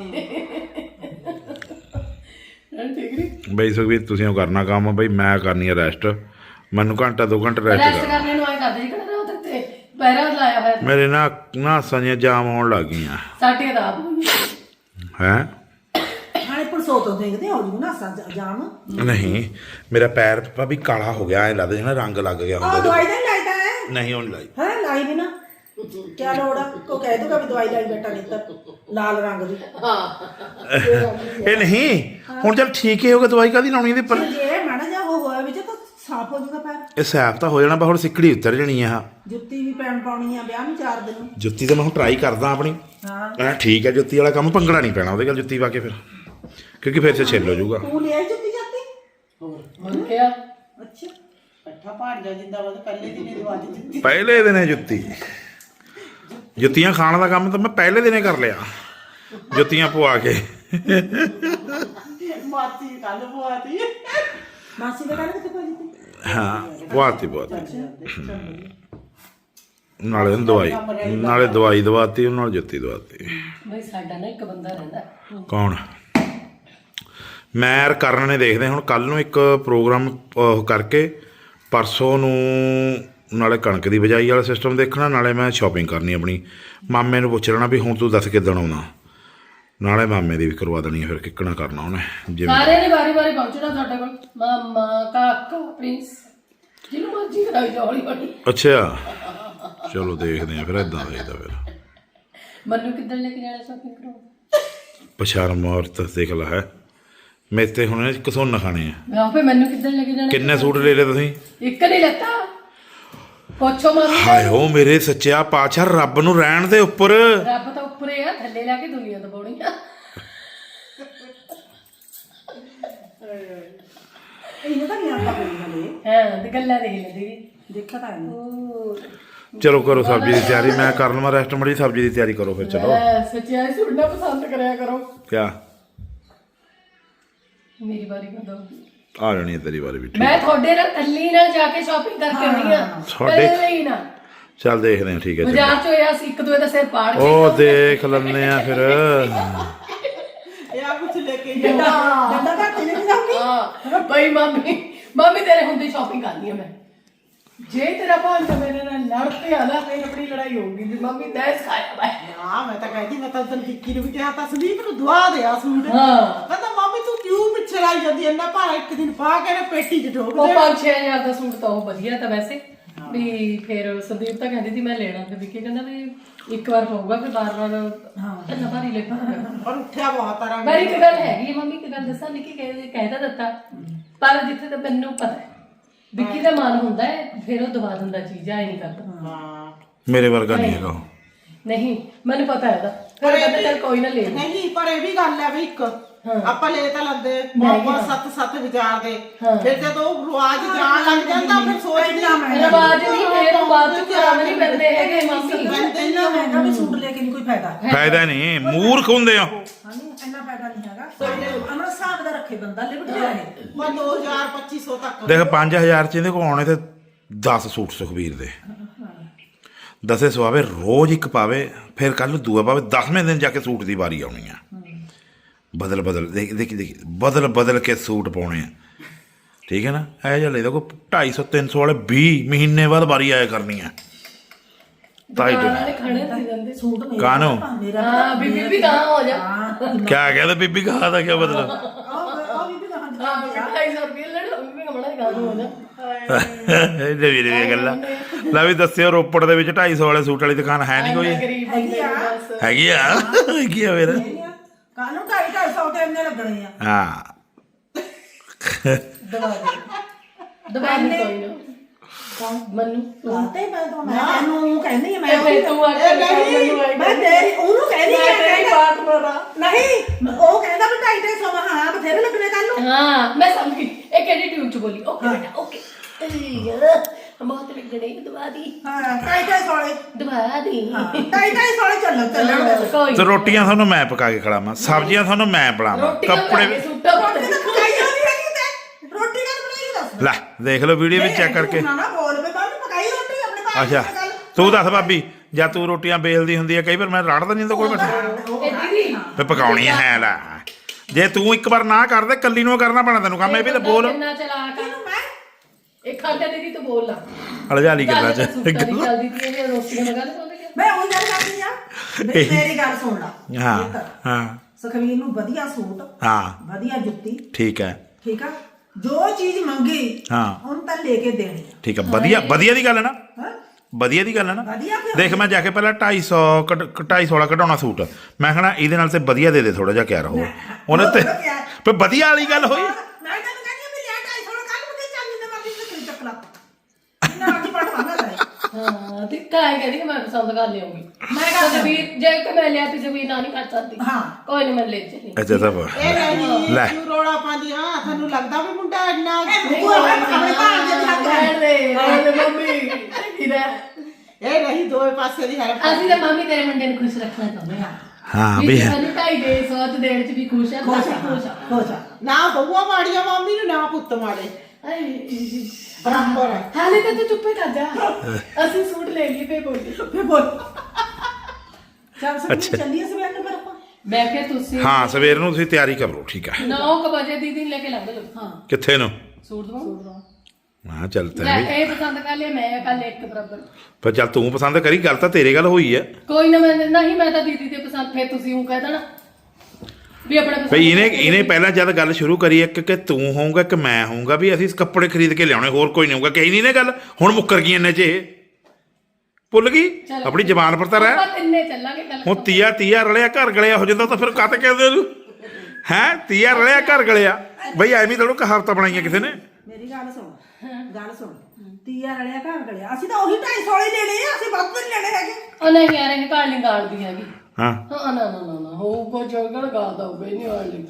Speaker 2: ਠੀਕ ਨਹੀਂ
Speaker 1: ਬਈ ਸੁਖਵੀਰ ਤੁਸੀਂ ਉਹ ਕਰਨਾ ਕੰਮ ਬਈ ਮੈਂ ਕਰਨੀ ਆ ਰੈਸਟ ਮੈਨੂੰ ਘੰਟਾ 2 ਘੰਟੇ ਰੈਸਟ
Speaker 2: ਰੈਸਟ
Speaker 1: ਕਰ
Speaker 2: ਕਰਨੇ ਨੂੰ ਆਏ ਕਰਦੇ ਜੀ ਕਿਹੜਾ ਉਹਦੇ ਤੇ ਪੈਰਾ ਲਾਇਆ ਹੋਇਆ
Speaker 1: ਮੇਰੇ ਨਾ ਸੰਜੇ ਜਾਮ ਹੋਣ ਲੱਗ ਗਈਆਂ
Speaker 2: ਸਾਡੇ ਦਾ ਆਪ
Speaker 1: ਹੈ
Speaker 3: ਹਾਲੇ ਪਰਸੋਂ ਤੋਂ ਦੇਖਦੇ ਹੋ ਜੂ ਨਾ ਜਾਮ
Speaker 1: ਨਹੀਂ ਮੇਰਾ ਪੈਰ ਭਾਵੇਂ ਕਾਲਾ ਹੋ ਗਿਆ ਐ ਲੱਗਦਾ ਜਿਵੇਂ ਰੰਗ ਲੱਗ ਗਿਆ
Speaker 3: ਉਹ
Speaker 1: ਹੁੰਦਾ
Speaker 3: ਦਵਾਈ ਤਾਂ ਲਾਈਦਾ ਹੈ
Speaker 1: ਨਹੀਂ ਹੁਣ ਲਾਈ
Speaker 3: ਹੈ ਲਾਈ ਵੀ ਨਾ ਕਿਆ ਲੋੜ ਆ ਕੋ ਕਹਿ ਦੂਗਾ ਵੀ ਦਵਾਈ ਲਾਈ ਬੈਠਾ ਨੇਤਰ ਲਾਲ ਰੰਗ ਦੀ
Speaker 2: ਹਾਂ
Speaker 1: ਇਹ ਨਹੀਂ ਹੁਣ ਚੱਲ ਠੀਕ ਹੀ ਹੋ ਗਿਆ ਦਵਾਈ ਕਾਦੀ ਲਾਉਣੀ ਇਹਦੇ ਪਰ
Speaker 3: ਜੇ ਮਾੜਾ ਜਿਹਾ ਉਹ ਹੋਇਆ ਵਿੱਚ ਤਾਂ ਸਾਫ਼ ਹੋ ਜਾਊਗਾ ਪੈਰ
Speaker 1: ਇਹ ਸਾਫ਼ ਤਾਂ ਹੋ ਜਾਣਾ ਬਾ ਹੁਣ ਸਿੱਕੜੀ ਉਤਰ ਜਣੀ ਆ
Speaker 3: ਜੁੱਤੀ ਵੀ ਪੈਣ ਪਾਉਣੀ ਆ ਵਿਆਹ ਨੂੰ 4 ਦਿਨ
Speaker 1: ਜੁੱਤੀ ਤਾਂ ਮੈਂ ਹੁਣ ਟਰਾਈ ਕਰਦਾ ਆਪਣੀ
Speaker 3: ਹਾਂ
Speaker 1: ਠੀਕ ਹੈ ਜੁੱਤੀ ਵਾਲਾ ਕੰਮ ਭੰਗੜਾ ਨਹੀਂ ਪੈਣਾ ਉਹਦੇ ਨਾਲ ਜੁੱਤੀ ਪਾ ਕੇ ਫਿਰ ਕਿਉਂਕਿ ਫਿਰ ਸੇ ਛਿੱਲ ਹੋ ਜਾਊਗਾ
Speaker 3: ਤੂੰ ਲੈ ਜੁੱਤੀ ਜਾਂਦੀ
Speaker 2: ਹੋਰ ਕਿਆ
Speaker 3: ਅੱਛਾ ਇਕੱਠਾ ਭਾੜ ਜਾ ਜਿੰਦਾਬਾਦ ਪਹਿਲੇ ਦਿਨ ਹੀ ਦਵਾ ਦਿੱਤੀ
Speaker 1: ਪਹਿਲੇ ਦਿਨੇ ਜੁੱਤੀਆਂ ਖਾਣ ਦਾ ਕੰਮ ਤਾਂ ਮੈਂ ਪਹਿਲੇ ਦਿਨੇ ਕਰ ਲਿਆ ਜੁੱਤੀਆਂ ਪਵਾ ਕੇ
Speaker 3: ਮਾਤੀ ਕੱਲ ਪਵਾਤੀ ਮਾਸੀ ਦੇ ਘਰ ਕਿੱਥੇ ਪਈ
Speaker 1: ਹਾਂ ਪਵਾਤੀ ਨਾਲੇ ਦਵਾਈ ਦਵਾਤੀ ਨਾਲ ਜੁੱਤੀ ਦਵਾਤੀ
Speaker 2: ਬਈ ਸਾਡਾ ਨਾ ਇੱਕ ਬੰਦਾ ਰਹਿੰਦਾ
Speaker 1: ਕੌਣ ਮੈਂ ਕਰਨ ਨੇ ਦੇਖਦੇ ਹੁਣ ਕੱਲ ਨੂੰ ਇੱਕ ਪ੍ਰੋਗਰਾਮ ਕਰਕੇ ਪਰਸੋਂ ਨੂੰ ਨਾਲੇ ਕਣਕ ਦੀ ਬਿਜਾਈ ਵਾਲਾ ਸਿਸਟਮ ਦੇਖਣਾ ਨਾਲੇ ਮੈਂ ਸ਼ਾਪਿੰਗ ਕਰਨੀ ਆਪਣੀ ਮਾਮੇ ਨੂੰ ਪੁੱਛ ਲੈਣਾ ਵੀ ਹੁਣ ਤੂੰ ਦੱਸ ਕਿੱਦਣ ਆਉਣਾ ਨਾਲੇ ਮਾਮੇ ਦੀ ਵੀ ਕਰਵਾ ਦੇਣੀ ਹੈ ਫਿਰ ਕਿੱਕਣਾ ਕਰਨਾ ਉਹਨੇ ਜਿਵੇਂ
Speaker 2: ਸਾਰਿਆਂ ਨੇ ਵਾਰੀ ਪਹੁੰਚਣਾ ਤੁਹਾਡੇ ਕੋਲ ਮਾਮਾ ਕਾਕਾ ਪ੍ਰਿੰਸ ਜਿਹਨੂੰ ਮਰਜ਼ੀ ਕਰਾਈ ਜਾ ਹੌਲੀ ਹੌਲੀ
Speaker 1: ਅੱਛਾ ਚਲੋ ਦੇਖਦੇ ਆ ਫਿਰ ਏਦਾਂ ਦੇਖਦਾ ਫਿਰ
Speaker 2: ਮੈਨੂੰ ਕਿੱਦਣ ਲੈ ਕੇ ਜਾਣਾ ਸ਼ਾਪਿੰਗ ਕਰਾਉਣ
Speaker 1: ਪਛਾਰਮ ਔਰਤ ਦੇਖ ਲਾ ਹੈ ਮੇਰੇ ਤੇ ਹੁਣ ਕਸੋਨ ਖਾਣੇ ਆ
Speaker 2: ਮੈਂ ਆਪੇ ਮੈਨੂੰ ਕਿੱਦਣ ਲੈ ਕੇ ਜਾਣਾ
Speaker 1: ਕਿੰਨੇ ਸੂਟ ਲੈ ਲਏ ਤੁਸੀਂ
Speaker 2: ਇੱਕ ਨਹੀਂ ਲੱਤਾ ਪੁੱਛੋ ਮਾਮੀ
Speaker 1: ਹਾਏ ਓ ਮੇਰੇ ਸੱਚਿਆ ਪਾਤਸ਼ਾਹ ਰੱਬ ਨੂੰ ਰਹਿਣ ਦੇ ਉੱਪਰ
Speaker 2: ਰੱਬ ਤਾਂ ਉੱਪਰੇ ਆ ਥੱਲੇ ਲਾ ਕੇ ਦੁਨੀਆ ਦਬਾਉਣੀ ਆ
Speaker 3: ਇਹਨੂੰ ਤਾਂ ਨਹੀਂ ਆਪਾਂ ਬੋਲੀ ਹਲੇ
Speaker 2: ਹਾਂ ਤੇ ਗੱਲਾਂ ਦੇਖ ਲੈ ਦੀਦੀ
Speaker 3: ਦੇਖਿਆ ਤਾਂ ਇਹਨੂੰ
Speaker 1: ਚਲੋ ਕਰੋ ਸਬਜ਼ੀ ਦੀ ਤਿਆਰੀ ਮੈਂ ਕਰ ਲਵਾਂ ਰੈਸਟ ਮੜੀ ਸਬਜ਼ੀ ਦੀ ਤਿਆਰੀ ਕਰੋ ਫਿਰ ਚਲੋ
Speaker 2: ਸੱਚਿਆ ਸੁਣਨਾ ਪਸੰਦ ਕਰਿਆ ਕਰੋ
Speaker 1: ਕਿਆ
Speaker 2: ਮੇਰੀ ਵਾਰੀ ਕਦੋਂ
Speaker 1: ਆ ਜਾਣੀ ਹੈ ਤੇਰੀ ਵਾਰੀ ਵੀ ਠੀਕ
Speaker 2: ਮੈਂ ਤੁਹਾਡੇ ਨਾਲ ਕੱਲੀ ਨਾਲ ਜਾ ਕੇ ਸ਼ਾਪਿੰਗ ਕਰਕੇ ਆਉਣੀ ਆ
Speaker 1: ਤੁਹਾਡੇ-
Speaker 2: ਕੱਲੀ ਨਾ
Speaker 1: ਚੱਲ ਦੇਖਦੇ ਹਾਂ ਠੀਕ ਹੈ ਚਲੋ
Speaker 2: ਬਾਜ਼ਾਰ ਚ ਹੋਇਆ ਸੀ ਇੱਕ ਦੂਏ ਦਾ ਸਿਰ ਪਾੜ ਕੇ
Speaker 1: ਉਹ ਦੇਖ ਲੈਂਦੇ ਆ ਫਿਰ
Speaker 3: ਇਹ ਆ ਕੁਛ ਲੈ ਕੇ ਡੰਡਾ ਘੱਟ ਨਹੀਂ ਜਾਂਦੀ
Speaker 2: ਹਾਂ ਬਈ ਮਾਮੀ ਤੇਰੇ ਹੁੰਦੀ ਸ਼ਾਪਿੰਗ ਕਰਨੀ ਆ ਮੈਂ ਜੇ ਤੇਰਾ ਭਾਂਜਾ ਮੇਰੇ ਨਾਲ ਲੜ ਪਿਆ ਨਾ ਫਿਰ ਆਪਣੀ ਲੜਾਈ ਹੋਊਗੀ ਵੀ ਮੰਮੀ ਦੈਸ ਖਾਇਆ ਮੈਂ
Speaker 3: ਨਾ ਮੈਂ ਤਾਂ ਕਹਿੰਦੀ ਮੈਂ ਤਾਂ ਉਦੋਂ ਵਿੱਕੀ ਨੂੰ ਵੀ ਕਿਹਾ ਤਾਂ ਸੰਦੀਪ ਨੂੰ ਦਵਾ ਦੇ ਆ ਸੂਟ
Speaker 2: ਹਾਂ
Speaker 3: ਕਹਿੰਦਾ ਮਾਮੀ ਤੂੰ ਕਿਉਂ ਪਿੱਛੇ ਲਾਈ ਜਾਂਦੀ ਇੰਨਾ ਭਾਰਾ ਇੱਕ ਦਿਨ ਪਾ ਕੇ ਨਾ ਪੇਟੀ 'ਚ ਠੋਕ
Speaker 2: ਉਹ
Speaker 3: ਦੇ
Speaker 2: 5-6000 ਦਾ ਸੂਟ ਤਾਂ ਉਹ ਵਧੀਆ ਤਾਂ ਵੈਸੇ ਵੀ ਫਿਰ ਸੰਦੀਪ ਤਾਂ ਕਹਿੰਦੀ ਸੀ ਮੈਂ ਲੈਣਾ ਤੇ ਵਿੱਕੀ ਕਹਿੰਦਾ ਵੀ ਇੱਕ ਵਾਰ ਪਊਗਾ ਫਿਰ ਬਾਰ-ਬਾਰ ਇੰਨਾ ਭਾਰੀ ਲੱਗੂਗਾ
Speaker 3: ਪਰ ਉੱਠਿਆ ਬਹੁਤ ਤਰ੍ਹਾਂ
Speaker 2: ਪਰ ਇੱਕ ਗੱਲ ਹੈਗੀ ਹੈ ਮੰਮੀ ਇੱਕ ਗੱਲ ਦੱਸਾਂ ਨਿੱਕੀ ਕਹਿਦਾ ਦਿੱਤਾ ਪਰ ਜਿੱਥੇ ਤਾਂ ਮੈਨੂੰ ਪਤਾ ਹੈ ਵਿੱਕੀ ਦਾ ਮਨ ਹੁੰਦਾ ਹੈ ਫਿਰ ਉਹ ਦਵਾ ਦਿੰਦਾ ਚੀਜ਼ ਆਈ ਨਹੀਂ ਕਰਦਾ
Speaker 3: ਹਾਂ
Speaker 1: ਮੇਰੇ ਵਰਗਾ ਨਹੀਂ ਹੈਗਾ ਉਹ।
Speaker 2: ਨਹੀਂ ਮੈਨੂੰ ਪਤਾ ਹੈ ਉਹਦਾ ਫਿਰ ਕਹਿੰਦਾ ਚੱਲ ਕੋਈ ਨਾ ਲੈ ਲਈ।
Speaker 3: ਨਹੀਂ ਪਰ ਇਹ ਵੀ ਗੱਲ ਹੈ ਵੀ ਇੱਕ ਆਪਾਂ ਲੈ ਤਾਂ ਲੈਂਦੇ
Speaker 2: ਨਹੀਂ
Speaker 3: ਬਹੁਤ ਸੱਤ ਵਿਚਾਰ ਦੇ
Speaker 2: ਹਾਂ।
Speaker 3: ਫਿਰ ਜਦੋਂ ਰਿਵਾਜ ਜਾਣ ਲੱਗ ਜਾਂਦਾ ਫਿਰ ਸੋਚਦੇ ਆ
Speaker 2: ਰਿਵਾਜ ਨਹੀਂ ਫਿਰ ਉਹ ਬਾਅਦ ਚ ਕਰਾਉਣ ਨਹੀਂ ਪੈਂਦੇ ਹੈਗੇ ਮਾਮੀ
Speaker 3: ਇੰਨਾ ਮਹਿੰਗਾ ਵੀ ਸੂਟ ਲੈ ਕੇ ਨਹੀਂ ਕੋਈ ਫਾਇਦਾ
Speaker 1: ਫਾਇਦਾ ਨਹੀਂ ਮੂਰਖ ਹੁੰਦੇ ਆ
Speaker 3: ਇੰਨਾ ਫਾਇਦਾ ਨਹੀਂ ਹੈਗਾ ਅਮਰ ਹਿਸਾਬ ਦਾ ਰੱਖੇ ਬੰਦਾ ਲਿਮਟ ਜਾਏ ਮੈਂ 2000-2500 ਤੱਕ
Speaker 1: ਦੇਖ 5000 ਚ ਇਹਦੇ ਕੋਲ ਆਉਣੇ ਤੇ 10 ਸੂਟ ਸੁਖਬੀਰ ਦੇ 10 ਸਵਾਵੇ ਰੋਜ਼ ਇੱਕ ਪਾਵੇ ਫਿਰ ਕੱਲ ਨੂੰ ਦੂਆ ਪਾਵੇ 10ਵੇਂ ਦਿਨ ਜਾ ਕੇ ਸੂਟ ਦੀ ਵਾਰੀ ਆਉਣੀ ਆ ਬਦਲ ਦੇਖ ਬਦਲ ਕੇ ਸੂਟ ਪਾਉਣੇ ਆ ਠੀਕ ਹੈ ਨਾ ਇਹ ਜਿਹਾ ਲੈਦਾ ਕੋਈ 250-300 ਵਾਲੇ 20 ਮਹੀਨੇ ਬਾਅਦ ਵਾਰੀ ਆਇਆ ਕਰਨੀ ਆ ਤਾਈ
Speaker 2: ਦੁਕਾਨਾਂ ਦੇ ਖਾਣੇ ਸੀ ਜਾਂਦੇ
Speaker 3: ਸੂਟ ਮੇਰਾ
Speaker 1: ਕਾਨੂੰ
Speaker 2: ਹਾਂ ਬੀਬੀ ਵੀ ਕਹਾਂ ਹੋ ਜਾ
Speaker 1: ਕਿਆ ਕਹਿੰਦੇ ਬੀਬੀ ਕਹਾ ਦਾ ਕੀ ਮਤਲਬ
Speaker 3: ਆ ਵੀ ਤਾਂ
Speaker 2: ਹਾਂ 250 ਰੁਪਏ ਲੈਣਾ ਬੀਬੀ ਕਮਣਾ ਦੀ ਗੱਲ ਹੋ ਜਾ
Speaker 1: ਇਹ ਨਵੀਂ ਗੱਲਾਂ ਲੈ ਵੀ ਦੱਸਿਓ ਰੋਪੜ ਦੇ ਵਿੱਚ 250 ਵਾਲੇ ਸੂਟ ਵਾਲੀ ਦੁਕਾਨ ਹੈ ਨਹੀਂ ਕੋਈ
Speaker 2: ਗਰੀਬ ਬੰਦੇ ਨੂੰ ਬਸ
Speaker 1: ਹੈਗੀ ਆ ਹੈਗੀ ਆ ਫਿਰ
Speaker 3: ਕਾਨੂੰ 250 ਤੇ ਇੰਨੇ ਲੱਗਣੇ ਆ
Speaker 1: ਹਾਂ
Speaker 2: ਦਬਾ ਦੇ ਕੋਈ ਨਾ ਮੈਨੂੰ
Speaker 3: ਤੇ ਮੈਂ ਤੈਨੂੰ ਕਹਿੰਦੀ ਆ ਮੈਂ
Speaker 2: ਮੈਂ ਤੂੰ ਆ ਕੇ ਮੈਨੂੰ ਆਈ
Speaker 3: ਮੈਂ ਤੇਰੀ ਉਹਨੂੰ ਕਹਿੰਦੀ ਆ
Speaker 2: ਤੇਰੀ ਪਾਰਟਨਰ ਆ
Speaker 3: ਨਹੀਂ ਉਹ ਕਹਿੰਦਾ ਵੀ 250 ਹਾਂ ਬਥੇਰੇ ਲੱਗਣੇ ਕੱਲ ਨੂੰ
Speaker 2: ਹਾਂ ਮੈਂ ਸਮਝ ਗਈ ਇਹ ਕਿਹੜੀ ਟਿਊਬ ਚ ਬੋਲੀ ਓਕੇ ਬੇਟਾ ਓਕੇ ਬਹੁਤ ਲੱਗਣੇ ਦਵਾ ਦੀ
Speaker 3: ਹਾਂ 250 ਵਾਲੇ
Speaker 2: ਦਵਾ ਦੀ
Speaker 3: 250 ਵਾਲੇ ਚੱਲਣ
Speaker 2: ਕੋਈ
Speaker 1: ਤੇ ਰੋਟੀਆਂ ਤੁਹਾਨੂੰ ਮੈਂ ਪਕਾ ਕੇ ਖਿਲਾਵਾਂ ਸਬਜ਼ੀਆਂ ਤੁਹਾਨੂੰ ਮੈਂ ਬਣਾਵਾਂ ਕੱਪੜੇ ਵੀ-
Speaker 2: ਸੁੱਟਾ
Speaker 3: ਰੋਟੀ ਤਾਂ ਪਕਾਈ ਜਾਂਦੀ ਹੈਗੀ ਤੇ ਰੋਟੀ ਕਾ ਬਣਾਈ ਦੱਸ
Speaker 1: ਲੈ ਦੇਖ ਲਓ ਵੀਡੀਓ ਵਿੱਚ ਚੈੱਕ ਕਰਕੇ
Speaker 3: ਨਾ ਨਾ ਬੋਲ ਵੇ ਬਾਬੂ ਪਕਾਈ ਰੋਟੀ ਆਪਣੇ ਭਾਈ
Speaker 1: ਅੱਛਾ ਤੂੰ ਦੱਸ ਭਾਬੀ ਜਾਂ ਤੂੰ ਰੋਟੀਆਂ ਬੇਲਦੀ ਹੁੰਦੀ ਹੈ ਕਈ ਵਾਰ ਮੈਂ ਰੜਦਾ ਨਹੀਂ ਹੁੰਦਾ ਕੋਈ ਬੈਠਾ
Speaker 2: ਇਹ ਦੀਦੀ
Speaker 1: ਫੇ ਪਕਾਉਣੀ ਹੈ ਲੈ ਜੇ ਤੂੰ ਇੱਕ ਵਾਰ ਨਾ ਕਰਦੇ ਕੱਲੀ ਨੂੰ ਕਰਨਾ ਪੈਣਾ ਤੈਨੂੰ ਕੰਮ ਇਹ ਵੀ ਤਾਂ ਬੋਲ
Speaker 2: ਕਿੰਨਾ ਚਲਾ ਕਰ
Speaker 3: ਮੈਂ
Speaker 2: ਇਹ ਖਾਂਦੇ ਦੀਦੀ ਤੂੰ ਬੋਲ ਲਾ
Speaker 1: ਅਲਜਾਲੀ ਗੱਲਾਂ ਚ
Speaker 2: ਸੁੱਟਾ ਦੀ ਚੱਲਦੀ ਤੀ ਇਹ ਰੋਟੀਆਂ ਲਗਾ ਲੈ
Speaker 3: ਮੈਂ ਉਹੀ ਗੱਲ ਕਰਦੀ ਆ ਮੇਰੀ ਗੱਲ ਸੁਣ ਲਾ
Speaker 1: ਹਾਂ ਹਾਂ
Speaker 3: ਸੁਖਵੀਰ ਨੂੰ ਵਧੀਆ ਸੂਟ
Speaker 1: ਹਾਂ
Speaker 3: ਵਧੀਆ ਜੁੱਤੀ
Speaker 1: ਠੀਕ ਹੈ
Speaker 3: ਠੀਕ ਆ ਜੋ ਚੀਜ਼ ਮੰਗੀ
Speaker 1: ਹਾਂ
Speaker 3: ਉਹਨੂੰ ਤਾਂ ਲੈ ਕੇ ਦੇਣੀ ਆ
Speaker 1: ਠੀਕ ਹੈ ਵਧੀਆ ਦੀ ਗੱਲ ਹੈ ਨਾ
Speaker 3: ਹਾਂ
Speaker 1: ਵਧੀਆ ਦੀ ਗੱਲ ਹੈ ਨਾ
Speaker 3: ਵਧੀਆ ਕਿਉਂ?
Speaker 1: ਦੇਖ ਮੈਂ ਜਾ ਕੇ ਪਹਿਲਾਂ 250 ਵਾਲਾ ਕਢਾਉਣਾ ਸੂਟ ਮੈਂ ਕਹਣਾ ਇਹਦੇ ਨਾਲ ਤੇ ਵਧੀਆ ਦੇ ਥੋੜਾ ਜਿਹਾ ਕਿਆ ਰਹੋ ਉਹਨੇ ਤੇ ਪਰ ਵਧੀਆ ਵਾਲੀ ਗੱਲ ਹੋਈ
Speaker 3: ਮੈਂ ਤੈਨੂੰ ਕਹਿੰਦੀ ਵੀ ਲੈ 250 ਕੱਲ ਨੂੰ ਤੇ ਚਾਂਦੀ ਦੇ ਮਰਦੀ ਤੇ ਚੱਕ ਲਾ ਨਾ ਅੱਜ ਪੜਵਾਂਗਾ ਤੇਰੇ
Speaker 2: ਹਾਂ ਹਾਂ ਤੇ ਕਾਹ ਕਹਿੰਦੀ ਕਿ ਮੈਂ ਪਸੰਦ ਕਰ ਲਿਆਉਂਗੀ
Speaker 3: ਮੈਂ ਕਰ
Speaker 2: ਜਸਵੀਰ ਜੇ ਕਿ ਮੈਂ ਲਿਆ ਤੇ ਜਸਵੀਰ ਨਾ ਨਹੀਂ ਕਰ ਸਕਦੀ
Speaker 3: ਹਾਂ
Speaker 2: ਕੋਈ ਨਹੀਂ ਮੈਂ ਲੈ ਚਲੀ
Speaker 1: ਅੱਛਾ ਤਾਂ
Speaker 3: ਇਹ ਨਹੀਂ
Speaker 1: ਲੈ।
Speaker 3: ਤੂੰ ਰੋਲਾ ਪਾਉਂਦੀ ਹਾਂ ਤੁਹਾਨੂੰ ਲੱਗਦਾ ਵੀ ਮੁੰਡਾ ਇੰਨਾ
Speaker 2: ਨਹੀਂ,
Speaker 3: ਤੂੰ ਆਪਣੇ ਭਾਣ ਦੇ ਹੱਥ
Speaker 2: ਰਹਿਣ ਦੇ ਮੰਮੀ ਕੀ ਰਹਿ
Speaker 3: ਇਹ ਨਹੀਂ ਦੋਵੇਂ ਪਾਸੇ ਦੀ ਹੈਲਪ
Speaker 2: ਅਸੀਂ ਤਾਂ ਮੰਮੀ ਤੇਰੇ ਮੁੰਡੇ ਨੂੰ ਖੁਸ਼ ਰੱਖਣਾ ਚਾਹੁੰਦੇ ਹਾਂ
Speaker 1: ਹਾਂ
Speaker 2: ਵੀ
Speaker 1: ਵੀ
Speaker 2: ਸਾਨੂੰ 2.5 ਦੇ ਸੌਤ ਦੇਣ ਚ ਵੀ ਖੁਸ਼ ਹੈ
Speaker 3: ਖੁਸ਼ ਆ ਨਾ ਬਹੂਆ ਮਾੜੀਆਂ ਮਾਮੀ ਨੂੰ ਨਾ ਪੁੱਤ ਮਾੜੇ ਬਰਾਬਰ ਹੈ
Speaker 2: ਹਾਲੇ ਤਾਂ ਤੂੰ ਚੁੱਪੇ ਕਰ ਜਾ ਅਸੀਂ ਸੂਟ ਲੈ ਲਈ ਫੇ ਬੋਲੀ
Speaker 3: ਫੇ ਬੋਲ ਚੱਲ ਸਭ ਚੱਲੀਏ ਸਵੇਰ ਨੂੰ ਫਿਰ ਆਪਾਂ
Speaker 2: ਮੈਂ ਕਿਹਾ ਤੁਸੀਂ
Speaker 1: ਹਾਂ ਸਵੇਰ ਨੂੰ ਤੁਸੀਂ ਤਿਆਰੀ ਕਰ ਲਓ ਠੀਕ ਹੈ
Speaker 2: 9 ਵਜੇ ਦੀਦੀ ਨੂੰ ਲੈ ਕੇ ਲੱਗ ਲਓ ਹਾਂ
Speaker 1: ਕਿੱਥੇ ਨੂੰ
Speaker 2: ਸੂਟ ਦਵਾ
Speaker 1: ਹਾਂ ਚੱਲ
Speaker 2: ਲੈ
Speaker 1: ਤੈਨੂੰ ਵੀ
Speaker 2: ਇਹ ਪਸੰਦ ਕਰ ਲਿਆ ਮੈਂ ਕੱਲ ਇੱਕ ਬਰਾਬਰ
Speaker 1: ਪਰ ਚੱਲ ਤੂੰ ਪਸੰਦ ਕਰੀ ਗੱਲ ਤਾਂ ਤੇਰੇ ਗੱਲ ਹੋਈ ਹੈ
Speaker 2: ਕੋਈ ਨਾ ਮੈਂ ਨਹੀਂ ਮੈਂ ਤਾਂ ਦੀਦੀ ਦੇ ਪਸੰਦ ਫੇਰ ਤੁਸੀਂ ਉਹ ਕਹਿ ਦੇਣਾ ਵੀ ਆਪਣੇ ਪਸੰਦ
Speaker 1: ਭਈ ਇਹਨੇ ਪਹਿਲਾਂ ਜਦ ਗੱਲ ਸ਼ੁਰੂ ਕਰੀ ਇੱਕ ਕਿ ਤੂੰ ਹੋਊਗਾ ਕਿ ਮੈਂ ਹੋਊਗਾ ਵੀ ਅਸੀਂ ਕੱਪੜੇ ਖਰੀਦ ਕੇ ਲਿਆਉਣੇ ਹੋਰ ਕੋਈ ਨਹੀਂ ਹੋਊਗਾ ਕਹੀ ਨਹੀਂ ਨਾ ਗੱਲ ਹੁਣ ਮੁੱਕਰ ਗਈ ਇੰਨੇ ਚ ਇਹ ਭੁੱਲ ਗਈ
Speaker 2: ਚਲੋ।
Speaker 1: ਆਪਣੀ ਜ਼ਬਾਨ ਪਰ ਤਾਂ ਰਹਿ
Speaker 2: ਆਪਾਂ ਤਿੰਨੇ ਚੱਲਾਂਗੇ ਕੱਲ
Speaker 1: ਹੁਣ ਤੀਆ ਰਲਿਆ ਘਰ ਗਲਿਆ ਹੋ ਜਾਂਦਾ ਤਾਂ ਫਿਰ ਕਾਤੇ ਕਹਿੰਦੇ ਉਹਨੂੰ ਹੈ ਤੀਆ ਰਲਿਆ ਘਰ ਗਲਿਆ ਬਈ ਐਵੇਂ ਥੋੜ੍ਹਾ ਕਹਾਵਤਾਂ ਬਣਾਈਆਂ ਕਿਸੇ ਨੇ
Speaker 3: ਮੇਰੀ ਗੱਲ ਸੁਣ ਤੀਆ ਰਲਿਆ ਘਰ ਗਲਿਆ ਅਸੀਂ ਤਾਂ ਉਹੀ 250 ਵਾਲੇ ਲੈ ਲਏ ਅਸੀਂ ਵੱਧ ਨਹੀਂ ਲੈਣੇ ਹੈਗੇ
Speaker 2: ਉਹ ਨਹੀਂ ਯਾਰ ਇਹ ਕਾਲ ਨਹੀਂ ਗਾਲਦੀ ਹੈਗੀ
Speaker 1: ਹਾਂ
Speaker 2: ਹਾਂ ਨਾ ਹੋਊਗਾ ਜੋਗੜ ਗਾਲਦਾ ਹੋਊਗਾ ਹੀ ਨਹੀਂ ਵਾਲੀ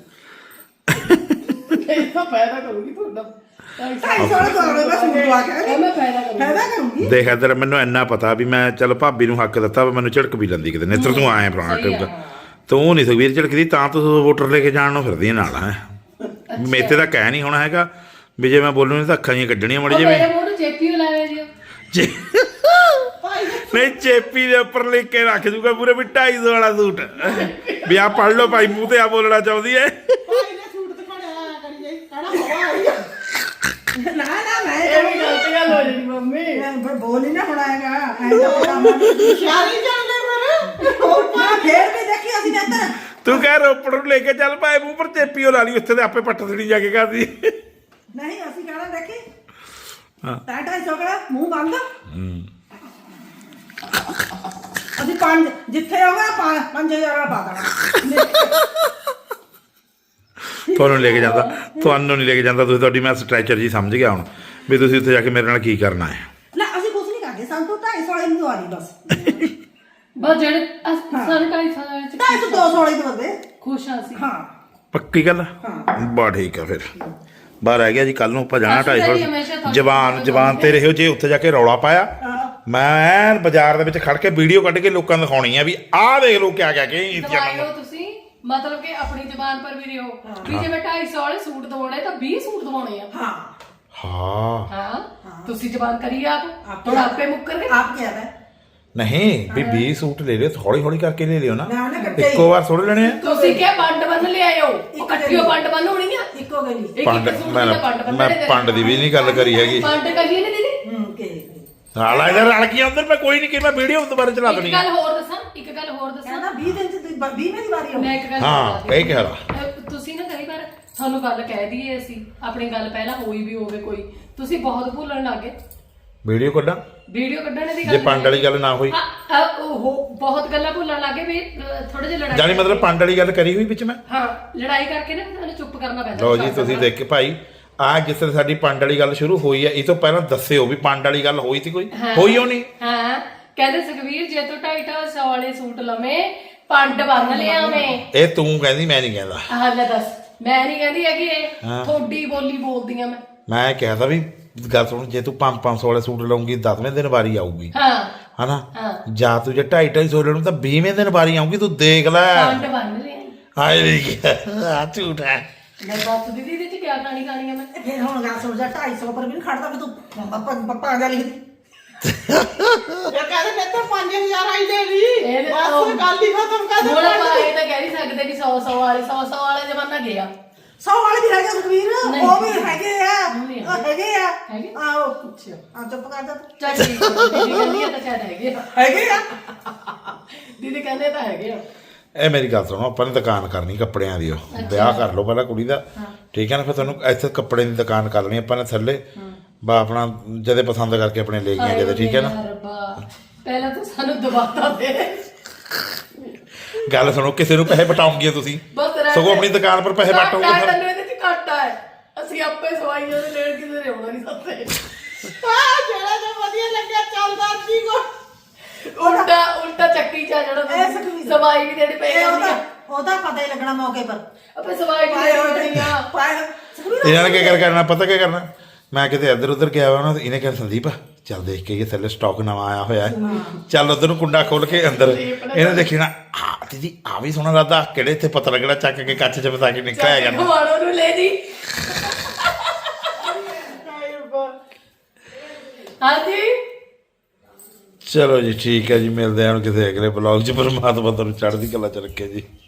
Speaker 2: ਇਹ ਤਾਂ ਪੈਦਾ ਕਰੂਗੀ ਤੁਹਾਡਾ
Speaker 3: 250 ਵਾਲੇ ਦੋੜੇ ਮੈਂ ਸੂਟ ਦਵਾ ਕੇ
Speaker 2: ਮੈਂ ਪੈਦਾ ਕਰੂੰਗੀ
Speaker 3: ਫਾਇਦਾ ਕਰੂੰਗੀ
Speaker 1: ਦੇਖ ਇੱਧਰ ਮੈਨੂੰ ਇੰਨਾ ਪਤਾ ਵੀ ਮੈਂ ਚੱਲ ਭਾਬੀ ਨੂੰ ਹੱਕ ਦਿੱਤਾ ਵੀ ਮੈਨੂੰ ਝਿੜਕ ਵੀ ਲੈਂਦੀ ਕਿਤੇ ਨੇਤਰ ਤੂੰ ਆਏ ਪੁਰਾਣਾ
Speaker 2: ਸਹੀ ਆ,
Speaker 1: ਟਿਪ ਤੂੰ ਨਹੀਂ ਸੁਖਵੀਰ ਝਿੜਕਦੀ ਤਾਂ ਤੂੰ ਵੋਟਰ ਲੈ ਕੇ ਜਾਣ ਨੂੰ ਫਿਰਦੀ ਨਾਲ ਹੈ ਮੇਤੇ ਦਾ ਕਹਿ ਨਹੀਂ ਹੋਣਾ ਹੈਗਾ ਵੀ ਜੇ ਮੈਂ ਬੋਲੂ ਨਹੀਂ ਤਾਂ ਅੱਖਾਂ ਜੀਆਂ ਕੱਢਣੀਆਂ ਮੜ
Speaker 2: ਉਹ
Speaker 1: ਜਿਵੇਂ
Speaker 2: ਮੇਰੇ ਮੂੰਹ ਨੂੰ ਚੇਪੀ ਲਾਵੇ ਜੀ
Speaker 1: ਜੇ- ਨਹੀਂ ਚੇਪੀ ਦੇ ਉੱਪਰ ਲਿਖ ਕੇ ਰੱਖ ਦੂਗਾ ਪੂਰੇ ਵੀ 250 ਵਾਲਾ ਸੂਟ ਵੀ ਆ ਪੜ ਲਓ ਭਾਈ ਮੂੰਹ ਤੇ ਆ ਬੋਲਣਾ ਚਾਹੁੰਦੀ ਹੈ
Speaker 3: ਭਾਈ ਨੇ ਸੂਟ ਦਿਖਾਉਣਾ ਕਰੀ ਜਾਈ ਕਹਿਣਾ ਹਵਾ ਆਈ ਆ। ਨਾ ਮੈਂ
Speaker 2: ਇਹ ਵੀ ਗਲਤ ਗੱਲ ਹੋ ਜਾਣੀ ਮੰਮੀ
Speaker 3: ਮੈਂ ਬੋਲ ਹੀ ਨਾ ਹੋਣਾ ਹੈਗਾ ਐਂ ਤਾਂ ਪਤਾ ਸ਼ਾਰੀ ਜਾਂਦੇ ਫਿਰ ਹੋਰ ਪਾ ਫੇਰ ਵੀ ਦੇਖੀ ਅਸੀਂ ਨੇ ਇੱਧਰ
Speaker 1: ਤੂੰ ਕਹਿ ਰੋਪੜ ਨੂੰ ਲੈ ਕੇ ਚੱਲ ਭਾਈ ਮੂੰਹ ਪਰ ਚੇਪੀ ਉਹ ਲਾ ਲਈ ਉੱਥੇ ਤੇ ਆਪੇ ਪੱਟ ਥੜੀ ਜਾ ਕੇ ਕਰਦੀ
Speaker 3: ਨਹੀਂ ਅਸੀਂ ਕਹਿਣਾ ਦੇਖੀ
Speaker 1: ਹਾਂ।
Speaker 3: 250 ਕਿਹੜਾ ਮੂੰਹ ਬੰਦ ਅਸੀਂ ਪੰਜ ਜਿੱਥੇ ਹੋਗਾ 5000 ਵਾਲਾ ਪਾ ਦੇਣਾ
Speaker 1: ਤੁਹਾਨੂੰ ਲੈ ਕੇ ਜਾਂਦਾ ਤੁਹਾਨੂੰ ਨਹੀਂ ਲੈ ਕੇ ਜਾਂਦਾ ਤੁਸੀਂ ਤੁਹਾਡੀ ਮੈਂ ਸਟ੍ਰੈਚਰ ਜੀ ਸਮਝ ਗਿਆ ਹੁਣ ਵੀ ਤੁਸੀਂ ਉੱਥੇ ਜਾ ਕੇ ਮੇਰੇ ਨਾਲ ਕੀ ਕਰਨਾ ਹੈ
Speaker 3: ਲੈ ਅਸੀਂ ਕੁਝ ਨਹੀਂ ਕਰਦੇ ਸਾਨੂੰ ਤਾਂ 250 ਵਾਲੇ ਨੂੰ ਦਵਾ ਦੀ ਬਸ
Speaker 2: ਬਸ ਜਿਹੜੇ ਸਾਨੂੰ 2.5 ਸਾਲਾਂ ਵਿੱਚ
Speaker 3: 200 ਵਾਲੇ ਦਵਾ ਦੇ
Speaker 2: ਖੁਸ਼ ਆ ਸੀ
Speaker 3: ਹਾਂ
Speaker 1: ਪੱਕੀ ਗੱਲ ਬਾ ਠੀਕ ਆ ਫਿਰ ਬਾਹਰ ਆ ਗਿਆ ਜੀ ਕੱਲ ਨੂੰ ਆਪਾਂ ਜਾਣਾ
Speaker 2: ਅਸੀਂ ਤਾਂ ਜੀ
Speaker 1: 250
Speaker 2: ਹਮੇਸ਼ਾ ਤੁਹਾਡੇ
Speaker 1: ਜਵਾਨ ਤੇ ਰਹਿਓ ਜੇ ਉੱਥੇ ਜਾ ਕੇ ਰੌਲਾ ਪਾਇਆ ਮੈਂ ਬਾਜ਼ਾਰ ਦੇ ਵਿੱਚ ਖੜ ਕੇ ਵੀਡੀਓ ਕੱਢ ਕੇ ਲੋਕਾਂ ਨੂੰ ਦਿਖਾਉਣੀ ਆ ਵੀ ਆਹ ਦੇਖ ਲਓ ਕਿਆ ਕਿਆ ਕਿ
Speaker 2: ਦਵਾਇਓ ਤੁਸੀਂ ਮਤਲਬ ਕਿ ਆਪਣੀ ਜ਼ਬਾਨ ਪਰ ਵੀ ਰਹੋ ਵੀ ਜੇ ਮੈਂ 250 ਵਾਲੇ ਸੂਟ ਦਵਾਉਣੇ ਤਾਂ 20 ਸੂਟ ਦਵਾਉਣੇ ਆ
Speaker 3: ਹਾਂ
Speaker 1: ਹਾਂ
Speaker 2: ਹਾਂ ਤੁਸੀਂ ਜ਼ਬਾਨ ਕਰੀ ਆਪ ਹੁਣ ਆਪੇ ਮੁੱਕਰ ਗਏ
Speaker 3: ਆਪ ਕਿਹਾ ਹੈ
Speaker 1: ਨਹੀਂ ਵੀ 20 ਸੂਟ ਲੈ ਲਿਓ ਹੌਲੀ ਹੌਲੀ ਕਰਕੇ ਲੈ ਲਿਓ ਨਾ
Speaker 3: ਨਾ ਨਾ ਕੱਟੇ
Speaker 1: ਇੱਕੋ ਵਾਰ ਥੋੜੇ ਲੈਣੇ ਆ
Speaker 2: ਤੁਸੀਂ ਕਿਹਾ ਪੰਡ ਬੰਨ ਲਿਆਇਓ ਉਹ ਇਕੱਠੀਓ ਪੰਡ ਬੰਨ ਹੋਣੀ ਆ
Speaker 3: ਇੱਕੋ ਗਲੀ
Speaker 2: ਇੱਕ
Speaker 1: ਪੰਡ
Speaker 2: ਇੱਕ ਸੂਟ
Speaker 1: ਮੈਂ
Speaker 2: ਦਾ ਪੰਡ ਬੰਨ
Speaker 1: ਮੈਂ ਪੰਡ ਦੀ ਵੀ ਨਹੀਂ ਗੱਲ ਕਰੀ ਹੈਗੀ
Speaker 2: ਪੰਡ ਕਹੀਏ ਨਾ ਦੀਦੀ
Speaker 3: ਕੇ
Speaker 1: ਹਾਲਾ ਇਹਦਾ ਰਲ ਗਿਆ ਅੰਦਰ ਮੈਂ ਕੋਈ ਨਹੀਂ ਕਿ ਮੈਂ ਵੀਡੀਓ ਦੁਬਾਰਾ ਚਲਾ
Speaker 2: ਇੱਕ
Speaker 1: ਦੇਣੀ
Speaker 2: ਗੱਲ ਹੋਰ ਦੱਸਾਂ ਇੱਕ ਗੱਲ ਹੋਰ ਦੱਸਾਂ
Speaker 3: ਕਹਿੰਦਾ 20 ਦਿਨ ਚ 20 ਮੇਰੀ ਵਾਰੀ
Speaker 2: ਮੈਂ ਇੱਕ ਗੱਲ
Speaker 1: ਹਾਂ
Speaker 2: ਹੋਰ ਦੱਸਦੀ
Speaker 1: ਇਹ ਕਹਿ
Speaker 2: ਤੁਸੀਂ ਨਾ ਕਈ ਵਾਰ ਤੁਹਾਨੂੰ ਗੱਲ ਕਹਿ ਦਈਏ ਅਸੀਂ ਆਪਣੀ ਗੱਲ ਪਹਿਲਾਂ ਹੋਈ ਵੀ ਹੋਵੇ ਕੋਈ ਤੁਸੀਂ ਬਹੁਤ ਭੁੱਲਣ ਲੱਗੇ
Speaker 1: ਵੀਡੀਓ ਕੱਢਾਂ
Speaker 2: ਵੀਡੀਓ ਕੱਢਣ ਦੀ
Speaker 1: ਜੇ
Speaker 2: ਗੱਲ
Speaker 1: ਪੰਡ ਵਾਲੀ ਗੱਲ ਨਾ ਹੋਈ
Speaker 2: ਉਹ ਬਹੁਤ ਗੱਲਾਂ ਭੁੱਲਣ ਲੱਗੇ ਵੀ ਥੋੜੇ ਜਿਹਾ ਲੜਾਈ
Speaker 1: ਜਾਨੀ ਮਤਲਬ ਪੰਡ ਵਾਲੀ ਗੱਲ ਕਰੀ ਹੋਈ ਵਿੱਚ ਮੈਂ
Speaker 2: ਹਾਂ ਲੜਾਈ ਕਰਕੇ ਨਾ ਤੁਹਾਨੂੰ ਚੁੱਪ ਕਰਨਾ ਪੈਂਦਾ
Speaker 1: ਲਓ ਜੀ ਤੁਸੀਂ ਦੇਖ ਕੇ ਭਾਈ ਆ ਜਿਸ ਤਰ੍ਹਾਂ ਸਾਡੀ ਪੰਡ ਵਾਲੀ ਗੱਲ ਸ਼ੁਰੂ ਹੋਈ ਹੈ ਇਹ ਤੋਂ ਪਹਿਲਾਂ ਦੱਸਿਓ ਵੀ ਪੰਡ ਵਾਲੀ ਗੱਲ ਹੋਈ ਸੀ ਕੋਈ ਹੋਈ ਹੋ ਨਹੀਂ
Speaker 2: ਹਾਂ ਕਹਿੰਦੇ ਸੁਖਵੀਰ ਜੇ ਤੂੰ 250 ਵਾਲੇ ਸੂਟ ਲਵੇਂ ਪੰਡ ਬੰਨ ਲਿਆਵੇਂ
Speaker 1: ਇਹ ਤੂੰ ਕਹਿੰਦੀ ਮੈਂ ਨਹੀਂ ਕਹਿੰਦਾ
Speaker 2: ਆਹ ਲੈ ਦੱਸ ਮੈਂ ਨਹੀਂ ਕਹਿੰਦੀ ਹੈਗੀ ਇਹ ਥੋੜੀ ਬੋਲੀ ਬੋਲਦੀ ਆ
Speaker 1: ਮੈਂ ਕਿਹਾ ਤਾਂ ਵੀ ਗੱਲ ਸੁਣ ਜੇ ਤੂੰ 500 ਵਾਲੇ ਸੂਟ ਲਾਉਂਗੀ 10ਵੇਂ ਦਿਨ ਵਾਰੀ ਆਊਗੀ
Speaker 2: ਹਾਂ
Speaker 1: ਹਨਾ ਜਾਂ ਤੂੰ ਜੇ 250 ਲੈਣੂ ਤਾਂ 20ਵੇਂ ਦਿਨ ਵਾਰੀ ਆਊਗੀ ਤੂੰ ਦੇਖ ਲੈ
Speaker 2: ਪੰਡ ਬੰਨ ਲਿਆ
Speaker 1: ਹਾਏ ਵੀ ਆ ਝੂਠ ਹੈ
Speaker 2: ਮੈਂ ਦੱਸ ਦੀਦੀ ਇਹਦੇ ਚ ਕਿਆ ਕਹਾਣੀ ਖਾਣੀ ਆ ਮੈਂ
Speaker 3: ਫਿਰ ਹੁਣ ਗੱਲ ਸਮਝਾ 250 ਪਰ ਵੀ ਨਹੀਂ ਖੜਦਾ ਕਿ ਤੂੰ ਪੱਪਾ ਗੱਲ ਲਿਖਦੀ ਇਹ ਕਹਿੰਦੇ ਨੇ ਤਾਂ 5000 ਆਈ ਲੈ ਲਈ ਬਸ ਗੱਲ ਹੀ ਖਤਮ ਕਰ
Speaker 2: ਹੁਣ ਆਪਾਂ ਇਹ ਤਾਂ ਕਹਿ ਨਹੀਂ ਸਕਦੇ ਕਿ 100 ਵਾਲੇ ਜ਼ਮਾਨਾ ਗਿਆ
Speaker 3: 100 ਵਾਲੇ ਵੀ ਹੈਗੇ ਸੁਖਵੀਰ ਉਹ ਵੀ ਹੈਗੇ ਆ ਹੈਗੇ ਆ
Speaker 2: ਹੈਗੇ?
Speaker 3: ਆਓ ਪੁੱਛਿਓ ਆ ਚੁੱਪ ਕਰ ਜਾ
Speaker 2: ਚੱਲ ਠੀਕ ਹੈ ਦੀਦੀ ਕਹਿੰਦੀ ਆ ਤਾਂ ਸ਼ਾਇਦ ਹੈਗੇ ਆ।
Speaker 3: ਹੈਗੇ ਆ
Speaker 2: ਦੀਦੀ ਕਹਿੰਦੇ ਤਾਂ ਹੈਗੇ ਆ
Speaker 1: ਇਹ ਮੇਰੀ ਗੱਲ ਸੁਣੋ ਆਪਾਂ ਨੇ ਦੁਕਾਨ ਕਰਨੀ ਕੱਪੜਿਆਂ ਦੀ ਉਹ ਵਿਆਹ ਕਰ ਲਓ ਪਹਿਲਾਂ ਕੁੜੀ ਦਾ ਠੀਕ ਹੈ ਨਾ ਫਿਰ ਤੁਹਾਨੂੰ ਇੱਥੇ ਕੱਪੜੇ ਦੀ ਦੁਕਾਨ ਕਰ ਲੈਣੀ ਆਪਾਂ ਨੇ ਥੱਲੇ ਬਾ ਆਪਣਾ ਜਦੇ ਪਸੰਦ ਕਰਕੇ ਆਪਣੇ ਲੈ ਗਏ ਜਦੇ ਠੀਕ ਹੈ ਨਾ
Speaker 2: ਰੱਬਾ ਪਹਿਲਾਂ ਤਾਂ ਸਾਨੂੰ ਦਬਾਤਾ ਦੇ
Speaker 1: ਗੱਲ ਸੁਣੋ ਕਿਸੇ ਨੂੰ ਪੈਸੇ ਬਟਾਉਂਗੇ ਤੁਸੀਂ
Speaker 2: ਬਸ ਰਹਿ
Speaker 1: ਸਗੋਂ ਆਪਣੀ ਦੁਕਾਨ ਪਰ ਪੈਸੇ ਬਟੋਗੇ ਫਿਰ
Speaker 2: ਤੈਨੂੰ ਇਹਦੇ ਚ ਘਾਟਾ ਹੈ ਅਸੀਂ ਆਪੇ ਸਵਾਈਆਂ ਦੇ ਲੈਣ ਕਿਸੇ ਦੇ ਆਉਣਾ ਨਹੀਂ ਸਕਦੇ
Speaker 3: ਆ ਜਿਹੜਾ ਜੋ ਵਧੀਆ ਲੱਗਿਆ ਚੱਲਦਾ ਜੀ ਕੋ
Speaker 2: ਉਲਟਾ ਚੱਕੀ ਜਾ
Speaker 3: ਇਹ
Speaker 2: ਜਾਣਾ
Speaker 3: ਸੁਖਵੀਰ।
Speaker 2: ਸਵਾਈ ਵੀ ਦੇਣੀ ਪਈ
Speaker 3: ਉਹਦਾ ਪਤਾ ਹੀ ਲੱਗਣਾ ਮੌਕੇ ਪਰ
Speaker 2: ਆਪੇ ਸਵਾਈ ਵੀ ਦੇਣੀ ਆ
Speaker 1: ਇਹਨਾਂ ਨੇ ਕੀ ਕਰਨਾ ਪਤਾ ਕੀ ਕਰਨਾ ਮੈਂ ਕਿਤੇ ਇੱਧਰ ਉੱਧਰ ਗਿਆ ਵਾ ਨਾ ਤੇ ਇਹਨੇ ਕਹਿਣਾ ਸੰਦੀਪ ਚੱਲ ਦੇਖ ਕੇ ਥੱਲੇ ਸਟਾਕ ਨਵਾਂ ਆਇਆ ਹੋਇਆ ਹੈ ਚੱਲ ਉਧਰ ਨੂੰ ਕੁੰਡਾ ਖੋਲ ਕੇ ਅੰਦਰ ਇਹਨੇ ਦੇਖਣਾ ਆ ਦੀਦੀ ਆ ਵੀ ਸੋਹਣਾ ਲੱਗਦਾ ਕਿਹੜੇ ਇੱਥੇ ਪਤਾ ਲੱਗਣਾ ਚੱਕ ਕੇ ਕੱਚ ਚ ਫਸਾ ਕੇ ਨਿਕਲਿਆ ਜਾਣਾ
Speaker 2: ਘੁਮਾਣੋ ਨੂੰ ਲੈ ਜੀ ਹਾਂਜੀ
Speaker 1: ਚਲੋ ਜੀ ਠੀਕ ਹੈ ਜੀ ਮਿਲਦੇ ਹਾਂ ਹੁਣ ਕਿਸੇ ਅਗਲੇ ਬਲੌਗ 'ਚ ਪਰਮਾਤਮਾ ਤੁਹਾਨੂੰ ਚੜ੍ਹਦੀ ਕਲਾ ਚ ਰੱਖੇ ਜੀ